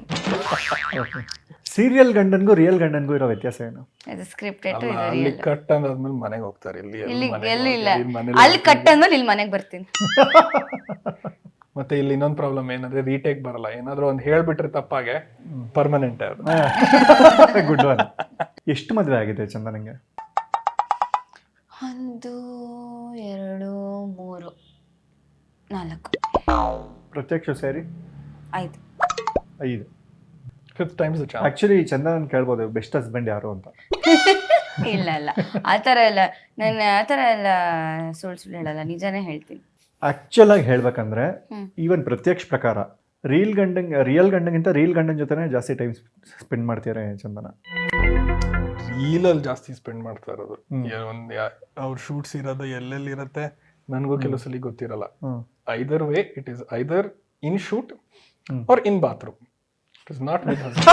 S2: ಸೀರಿಯಲ್ ಗಂಡನ್ಗೂ ರಿಯಲ್ ಗಂಡನ್ಗೂ ಇರೋ ವ್ಯತ್ಯಾಸ ಏನು?
S3: ಸ್ಕ್ರಿಪ್ಟೆಡ್.
S5: ಅಲ್ಲಿ ಕಟ್ ಅಂದಾದ್ಮೇಲೆ ಮನೆಗೆ ಹೋಗ್ತಾರೆ. ಇಲ್ಲಿ
S3: ಎಲ್ಲಿ ಇಲ್ಲ, ಅಲ್ಲಿ ಕಟ್ ಅಂದ್ಮೇಲೆ ಇಲ್ಲಿ ಮನೆಗೆ ಬರ್ತೀನಿ.
S5: ಮತ್ತೆ ಇಲ್ಲಿ ಇನ್ನೊಂದು ಪ್ರಾಬ್ಲಮ್ ಏನಂದ್ರೆ ರೀಟೇಕ್ ಬರಲ್ಲ. ಏನಾದ್ರು ಒಂದು ಹೇಳ್ಬಿಟ್ರೆ ತಪ್ಪಾಗೆ ಪರ್ಮನೆಂಟ್.
S2: Good one. ಎಷ್ಟು ಮದುವೆ ಆಗಿದೆ ಚಂದನಂಗೆ?
S3: 1 2 3 4.
S2: ಪ್ರತ್ಯಕ್ಷ ಸೇರಿ
S3: 5.
S2: 5.
S5: 5th time's the charm.
S2: Actually Chandan ಕೇಳ್ಬೋದು ಬೆಸ್ಟ್ ಹಸ್ಬೆಂಡ್ ಯಾರು ಅಂತ.
S3: ಇಲ್ಲ ಇಲ್ಲ, ಆತರ ಎಲ್ಲ ನಾನು ಆತರ ಎಲ್ಲ ಸುಳ್ಳು ಹೇಳಲ್ಲ, ನಿಜಾನೇ ಹೇಳ್ತೀನಿ.
S2: ಆಕ್ಚುಲ್ ಆಗಿ ಹೇಳ್ಬೇಕಂದ್ರೆ ಈವನ್ ಪ್ರತ್ಯಕ್ಷ ಪ್ರಕಾರ ರಿಯಲ್ ಗಂಡಂಗಿಂತ ರಿಯಲ್ ಗಂಡನ ಜೊತೆನೆ ಜಾಸ್ತಿ ಟೈಮ್ ಸ್ಪೆಂಡ್ ಮಾಡ್ತಾರೆ ಚಂದನ.
S5: ರೀಲಲ್ಲಿ ಜಾಸ್ತಿ ಸ್ಪೆಂಡ್ ಮಾಡ್ತಾ ಇರೋದು. ಅವ್ರ ಶೂಟ್ಸ್ ಇರೋದು ಎಲ್ಲೆಲ್ಲಿ ಇರುತ್ತೆ ನನಗೂ ಕೆಲವು ಸಲ ಗೊತ್ತಿರಲ್ಲ. Either way it is either in shoot or in bathroom. It is not with her.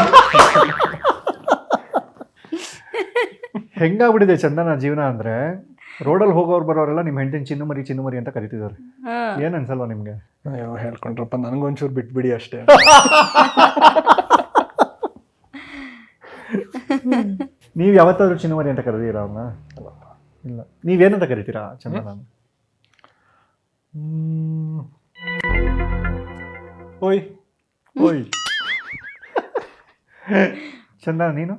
S2: ಹೆಂಗಾಗ್ಬಿಟ್ಟಿದೆ ಚಂದನ ಜೀವನ ಅಂದ್ರೆ, ರೋಡಲ್ಲಿ ಹೋಗೋರು ಬರೋರೆಲ್ಲ ನಿಮ್ಮ ಹೆಂಡತಿನ ಚಿನ್ನುಮರಿ ಅಂತ ಕರಿತಿದ್ದಾರೆ. ಏನ್ ಅನ್ಸಲ್ವಾ ನಿಮ್ಗೆ?
S5: ಅಯ್ಯೋ ಹೇಳ್ಕೊಂಡ್ರಪ್ಪ, ನನಗೊಂಚೂರು ಬಿಟ್ಬಿಡಿ ಅಷ್ಟೇ.
S2: ನೀವ್ ಯಾವತ್ತಾದ್ರೂ ಚಿನ್ನುಮರಿ ಅಂತ ಕರೆದಿರಾ ಅವ್ರನ್ನ? ಇಲ್ಲ. ನೀವೇನಂತ ಕರಿತೀರಾ ಚಂದನ?
S5: ಓಯ್
S2: ಓಯ್. ಚಂದನ ನೀನು?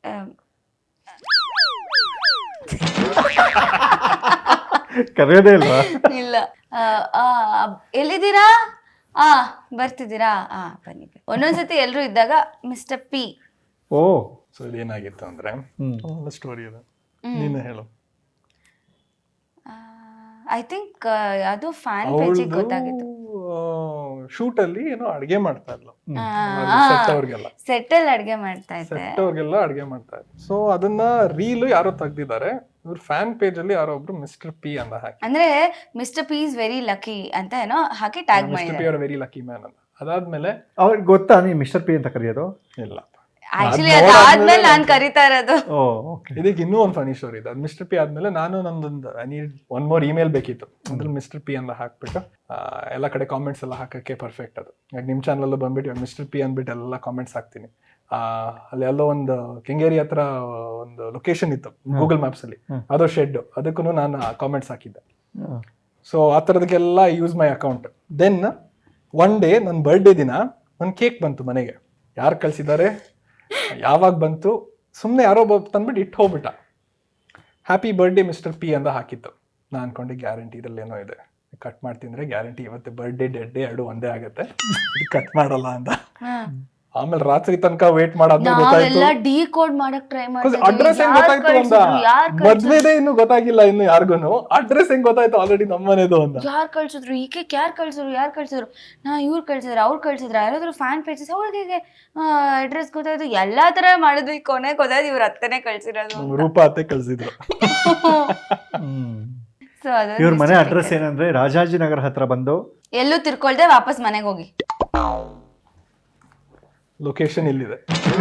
S2: ಕರೆಯೋದೇ ಇಲ್ವಾ?
S3: ಇಲ್ಲ. ಎಲ್ಲಿದ್ದೀರಾ? ಬರ್ತಿದ್ದೀರಾ? ಬನ್ನಿ. ಒಂದೊಂದ್ಸತಿ ಎಲ್ರು ಇದ್ದಾಗ ಮಿಸ್ಟರ್ ಪಿ.
S2: ಓ.
S5: ಸೊ ಇದೇನಾಗಿತ್ತು ಅಂದ್ರೆ ಒಳ್ಳೆ ಸ್ಟೋರಿ ಅದು, ನೀನು ಹೇಳು.
S3: ಐ ಥಿಂಕ್ ಅದು ಫ್ಯಾನ್ ಪೇಜಿಗೆ ಗೊತ್ತಾಗಿತ್ತು.
S5: ಶೂಟ್ ಅಲ್ಲಿ ಏನೋ ಅಡ್ಗೆ ಮಾಡ್ತಾ ಇದ್ಲು ಸೆಟ್ ಅವ್ರಿಗೆಲ್ಲ.
S3: ಸೆಟ್ಟಲ್ಲಿ ಅಡ್ಗೆ ಮಾಡ್ತಾ ಇದ್ದೆ.
S5: ಸೆಟ್ ಅವ್ರಿಗೆಲ್ಲ ಅಡ್ಗೆ ಮಾಡ್ತಾ ಇದ್ರು. ಸೊ ಅದನ್ನ ರೀಲ್ ಯಾರೋ ತೆಗ್ದಿದ್ದಾರೆ, ಇವ್ರ ಫ್ಯಾನ್ ಪೇಜ್ ಅಲ್ಲಿ ಯಾರೋ ಒಬ್ರು ಮಿಸ್ಟರ್ ಪಿ ಅಂತ ಹಾಕಿ,
S3: ಅಂದ್ರೆ mister P is very lucky ಅಂತ ಏನೋ ಹಾಕಿ ಟ್ಯಾಗ್
S5: ಮಿಸ್ಟರ್ ಪಿ
S3: ಮಾಡಿದ್ದಾರೆ.
S5: ಆರ್ ವೆರಿ ಲಕ್ಕಿ ಮ್ಯಾನ್ ಅಂತ. ಅದಾದ್ಮೇಲೆ
S2: ಅವ್ರಿಗೆ ಗೊತ್ತಾ ನೀ ಮಿಸ್ಟರ್ ಪಿ ಅಂತ ಕರೆಯೋದು?
S5: ಇಲ್ಲ,
S3: ಆಕ್ಚುಲಿ ಅದಾದ್ಮೇಲೆ ನಾನ್ ಕರಿತಾ ಇರೋದು.
S2: Oh okay.
S5: ಇದಕ್ಕೆ ಇನ್ನೂ ಒಂದು ಫನಿ ಸ್ಟೋರಿ ಇದೆ. ಮಿಸ್ಟರ್ ಪಿ ಆದ್ಮೇಲೆ ನಾನು ನಂದೊಂದು I need one more email ಬೇಕಿತ್ತು. ಅದ್ರಲ್ಲಿ ಮಿಸ್ಟರ್ ಪಿ ಅಂತ ಹಾಕ್ಬಿಟ್ಟು ಎಲ್ಲ ಕಡೆ ಕಾಮೆಂಟ್ಸ್ ಎಲ್ಲ ಹಾಕಕ್ಕೆ ಪರ್ಫೆಕ್ಟ್ ಅದು. ನಿಮ್ಮ ಚಾನಲ್ ಬಂದ್ಬಿಟ್ಟು ಮಿಸ್ಟರ್ ಪಿ ಅಂದ್ಬಿಟ್ಟು ಎಲ್ಲ ಕಾಮೆಂಟ್ಸ್ ಹಾಕ್ತೀನಿ. ಅಲ್ಲಿ ಎಲ್ಲೋ ಒಂದು ಕೆಂಗೇರಿ ಹತ್ರ ಒಂದು ಲೊಕೇಶನ್ ಇತ್ತು ಗೂಗಲ್ ಮ್ಯಾಪ್ಸ್ ಅಲ್ಲಿ, ಅದೋ ಶೆಡ್, ಅದಕ್ಕೂ ನಾನು ಕಾಮೆಂಟ್ಸ್ ಹಾಕಿದ್ದೆ. ಸೊ ಆ ಥರದಕ್ಕೆಲ್ಲ use my account. Then one day ನನ್ನ ಬರ್ಡೇ ದಿನ ನನ್ನ ಕೇಕ್ ಬಂತು ಮನೆಗೆ. ಯಾರು ಕಳ್ಸಿದ್ದಾರೆ, ಯಾವಾಗ ಬಂತು, ಸುಮ್ಮನೆ ಯಾರೋ ತಂದ್ಬಿಟ್ಟು ಇಟ್ಟು ಹೋಗ್ಬಿಟ್ಟ. ಹ್ಯಾಪಿ ಬರ್ಡೇ ಮಿಸ್ಟರ್ ಪಿ ಅಂತ ಹಾಕಿತ್ತು. ನಾನು ಅನ್ಕೊಂಡೆ ಗ್ಯಾರಂಟಿ ಇದ್ರಲ್ಲಿ ಏನೋ ಇದೆ, ಕಟ್ ಮಾಡ್ತಿದ್ರೆ ಗ್ಯಾರಂಟಿ ಇವತ್ತು ಬರ್ಡೇ ಡೆಡ್ ಡೇ ಎರಡು ಒಂದೇ ಆಗುತ್ತೆ, ಕಟ್ ಮಾಡಲ್ಲ ಅಂತ. ಆಮೇಲೆ ರಾತ್ರಿ ತನಕ ವೇಟ್ ಮಾಡಾದ್ಮೇಲೆ ಗೊತ್ತಾಯ್ತು,
S3: ಡಿಕೋಡ್ ಮಾಡಕ್ ಟ್ರೈ
S5: ಅಡ್ರೆಸ್ ಹೆಂಗ್ ಗೊತ್ತಾಯ್ತು ಅಂತ. ಮದ್ವೆದೇ ಇನ್ನು ಗೊತ್ತಾಗಿಲ್ಲ ಇನ್ನು ಯಾರಿಗೂನು, ಅಡ್ರೆಸ್ ಹೆಂಗ್ ಗೊತ್ತಾಯ್ತು ಆಲ್ರೆಡಿ ನಮ್ಮನೇದು ಅಂತ.
S3: ಯಾರು ಕಳ್ಸಿದ್ರು, ಈ ಕೇಕ್ ಯಾರು ಕಳ್ಸಿದ್ರು, ಇವ್ರು ಕಳ್ಸಿದ್ರು, ಅವ್ರು ಕಳ್ಸಿದ್ರು, ಯಾರಾದ್ರೂ ಫ್ಯಾನ್ ಪೇಜಸ್ ಅವ್ರಿಗೆ ಅಡ್ರೆಸ್ ಗೊತ್ತಾಯ್ತು, ಎಲ್ಲಾ ತರ ಮಾಡಿದ್ವಿ. ಕೊನೆ ಗೊತ್ತಾಯ್ತು ಇವ್ರ ಅತ್ತನೇ ಕಳ್ಸಿರೋದು.
S5: ರೂಪ ಅತ್ತೆ ಕಳ್ಸಿದ್ರು.
S3: ಸೊ ಅದು
S2: ಇವ್ರ ಮನೆ ಅಡ್ರೆಸ್ ಏನಂದ್ರೆ ರಾಜಾಜಿನಗರ ಹತ್ರ ಬಂದು
S3: ಎಲ್ಲೂ ತಿರ್ಕೊಳ್ದೆ ವಾಪಸ್ ಮನೆಗೆ ಹೋಗಿ.
S5: ಲೊಕೇಶನ್ ಇಲ್ಲಿದೆ.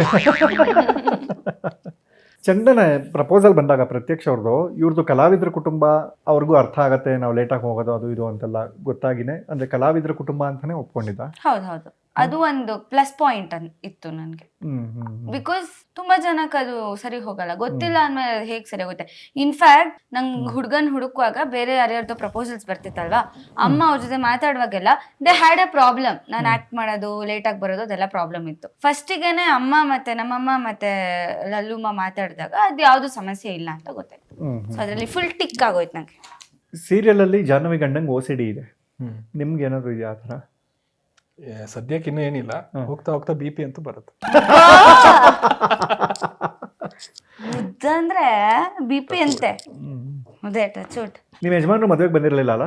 S2: ಚಂದನ ಪ್ರಪೋಸಲ್ ಬಂದಾಗ ಪ್ರತ್ಯಕ್ಷ ಅವ್ರದ್ದು, ಇವ್ರದ್ದು ಕಲಾವಿದ್ರ ಕುಟುಂಬ, ಅವ್ರಿಗೂ ಅರ್ಥ ಆಗತ್ತೆ ನಾವು ಲೇಟಾಗಿ ಹೋಗೋದು ಅದು ಇದು ಅಂತೆಲ್ಲ ಗೊತ್ತಾಗಿನೇ ಅಂದ್ರೆ ಕಲಾವಿದ್ರ ಕುಟುಂಬ ಅಂತಾನೆ ಒಪ್ಕೊಂಡಿದ್ದ.
S3: ಹೌದು, ಅದು ಒಂದು ಪ್ಲಸ್ ಪಾಯಿಂಟ್ ಇತ್ತು ನನ್ಗೆ. ಬಿಕಾಸ್ ತುಂಬಾ ಜನಕ್ಕೆ ಅದು ಸರಿ ಹೋಗಲ್ಲ, ಗೊತ್ತಿಲ್ಲ ಅಂದ್ಮೇಲೆ ಹೇಗ್ ಸರಿ ಹೋಗುತ್ತೆ. ಇನ್ಫ್ಯಾಕ್ಟ್ ನಂಗೆ ಹುಡ್ಗನ್ ಹುಡುಕುವಾಗ ಬೇರೆ ಯಾರ್ಯಾರ್ದು ಪ್ರಪೋಸಲ್ಸ್ ಬರ್ತಿತ್ತಲ್ವಾ, ಅಮ್ಮ ಅವ್ರ ಜೊತೆ ಮಾತಾಡುವಾಗೆಲ್ಲ ದೇ ಹ್ಯಾಡ್ ಅ ಪ್ರಾಬ್ಲಮ್. ನಾನು ಆಕ್ಟ್ ಮಾಡೋದು, ಲೇಟ್ ಆಗಿ ಬರೋದು, ಅದೆಲ್ಲ ಪ್ರಾಬ್ಲಮ್ ಇತ್ತು. ಫಸ್ಟಿಗೆನೆ ಅಮ್ಮ ಮತ್ತೆ ನಮ್ಮಮ್ಮ ಮತ್ತೆ ಲಲ್ಲುಮ್ಮ ಮಾತಾಡಿದಾಗ ಅದು ಯಾವ್ದು ಸಮಸ್ಯೆ ಇಲ್ಲ ಅಂತ ಗೊತ್ತಾಯ್ತು. ಸೊ ಅದ್ರಲ್ಲಿ ಫುಲ್ ಟಿಕ್ ಆಗೋಯ್ತು ನಂಗೆ.
S2: ಸೀರಿಯಲ್ ಅಲ್ಲಿ ಜಾಹ್ನವಿ ಗಂಡಂಗ್ OCD ಇದೆ, ನಿಮ್ಗೆ ಏನಾದ್ರು ಇದೆಯಾ ಆ ಥರ?
S5: ಸದ್ಯಕ್ಕೆ ಇನ್ನೂ ಏನಿಲ್ಲ, ಹೋಗ್ತಾ ಹೋಗ್ತಾ BP ಅಂತೂ ಬರುತ್ತೆ.
S3: ಅಂದ್ರೆ BP ಅಂತೆ. ಅದೇ ಟಚ್ ವುಡ್.
S2: ನಿಮ್ಮ ಯಜಮಾನ್ರು ಮದುವೆಗೆ ಬಂದಿರಲಿಲ್ಲ ಅಲ್ಲ?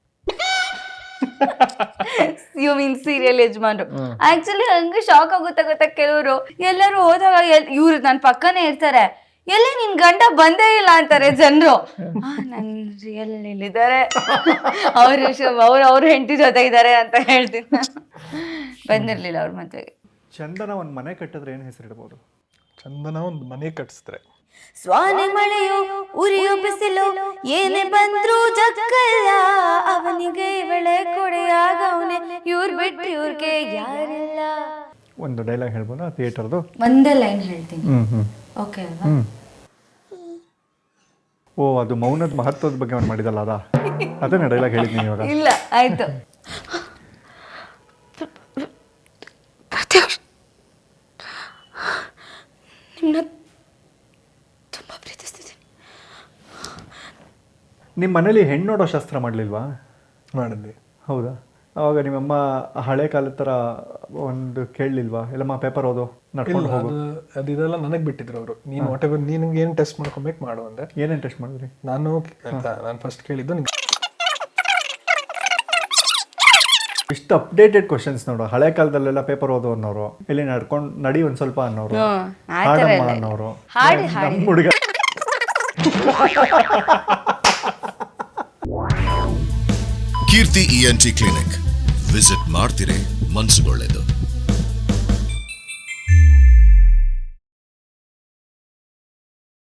S3: ಯು ಮೀನ್ ಸೀರಿಯಲ್ ಯಜಮಾನ್ರು? ಆಕ್ಚುಲಿ ಹಂಗೆ ಶಾಕ್ ಆಗುತ್ತೆ ಗೊತ್ತಾ, ಕೆಲವರು ಎಲ್ಲರೂ ಹೋದಾಗ ಇವ್ರು ನನ್ನ ಪಕ್ಕನೇ ಇರ್ತಾರೆ, ಎಲ್ಲಿ ನಿನ್ ಗಂಡ ಬಂದೇ ಇಲ್ಲ ಅಂತಾರೆ ಜನರು. ನನ್ ರಿಯಲ್ ಇಲ್ಲಿದ್ದಾರೆ, ಅವ್ರ ಹೆಂಡತಿ ಜೊತೆ ಇದ್ದಾರೆ ಅಂತ ಹೇಳ್ತೀನಿ. ಬಂದಿರ್ಲಿಲ್ಲ ಅವ್ರ ಮದ್ವೆಗೆ.
S2: ಚಂದನ ಒಂದ್ ಮನೆ ಕಟ್ಟಿದ್ರೆ ಏನ್ ಹೆಸರಿಡ್ಬೋದು?
S5: ಚಂದನ ಒಂದು ಮನೆ ಕಟ್ಸಿದ್ರೆ
S3: ಸ್ವಾನೆ ಮಳೆಯು ಉರಿಯು ಬಿಸಿಲು ಏನೇ ಬಂದ್ರು ಜಗ್ಗಲ್ಲ, ಅವನಿಗೆ ಬೆಳೆ ಕೊಡೆಯಾಗವನೆ, ಇವ್ರ್ ಬಿಟ್ಟು ಇವ್ರಿಗೆ ಯಾರಿಲ್ಲ.
S2: ಒಂದು ಡೈಲಾಗ್ ಹೇಳ್ಬೋದಾ ಥಿಯೇಟರ್ದು?
S3: ಒಂದೇ ಲೈನ್ ಹೇಳ್ತೀನಿ. ಓಕೆ ಅಲ್ವಾ?
S2: ಓ, ಅದು ಮೌನದ ಮಹತ್ವದ ಬಗ್ಗೆ ಅವ್ನು ಮಾಡಿದಲ್ಲ, ಅದನ್ನ ಡೈಲಾಗ್ ಹೇಳಿದ್ದೀನಿ ಇವಾಗ.
S3: ಇಲ್ಲ, ಆಯ್ತು. ಪ್ರತ್ಯಕ್ಷ ನಿಮ್ಮನ್ನ ತುಂಬಾ ಪ್ರೀತಿಸ್ತಿದ್ದೀನಿ.
S2: ನಿಮ್ಮ ಮನೇಲಿ ಹೆಣ್ಣು ನೋಡೋ ಶಾಸ್ತ್ರ ಮಾಡಲಿಲ್ವಾ?
S5: ಮಾಡಿದ್ವಿ.
S2: ಹೌದಾ? ಅವಾಗ ನಿಮ್ಮಮ್ಮ ಹಳೆ ಕಾಲದ ಥರ ಒಂದು ಕೇಳಲಿಲ್ವಾ, ಎಲ್ಲಮ್ಮ ಪೇಪರ್ ಓದು ನಡ್ಕೊಂಡು ಹೋಗು?
S5: ಅದೆಲ್ಲ ನನಗೆ ಬಿಟ್ಟಿದ್ರು ಅವರು. ನೀನು ವಾಟ್ ಎವರ್ ನಿನಗೆ ಏನು ಟೆಸ್ಟ್ ಮಾಡ್ಕೊಬೇಕು ಮಾಡು ಅಂದ್ರೆ.
S2: ಏನೇನು ಟೆಸ್ಟ್ ಮಾಡಿದ್ರಿ?
S5: ನಾನು ಫಸ್ಟ್ ಕೇಳಿದ್ದು
S2: ಇಷ್ಟು ಅಪ್ಡೇಟೆಡ್ ಕ್ವಶನ್ಸ್ ನೋಡು. ಹಳೆ ಕಾಲದಲ್ಲೆಲ್ಲ ಪೇಪರ್ ಓದು ಅನ್ನೋರು, ಇಲ್ಲಿ ನಡಿ ಒಂದ್ ಸ್ವಲ್ಪ ಅನ್ನೋರು, ಹಾಡಮ್ಮ ಅನ್ನೋರು, ನಮ್ಮ ಹುಡುಗ.
S6: ಕೀರ್ತಿ ENT ಕ್ಲಿನಿಕ್. ವಿಸಿಟ್ ಮಾಡ್ತಿರೇ ಮನ್ಸುಗೊಳ್ಳೆದು.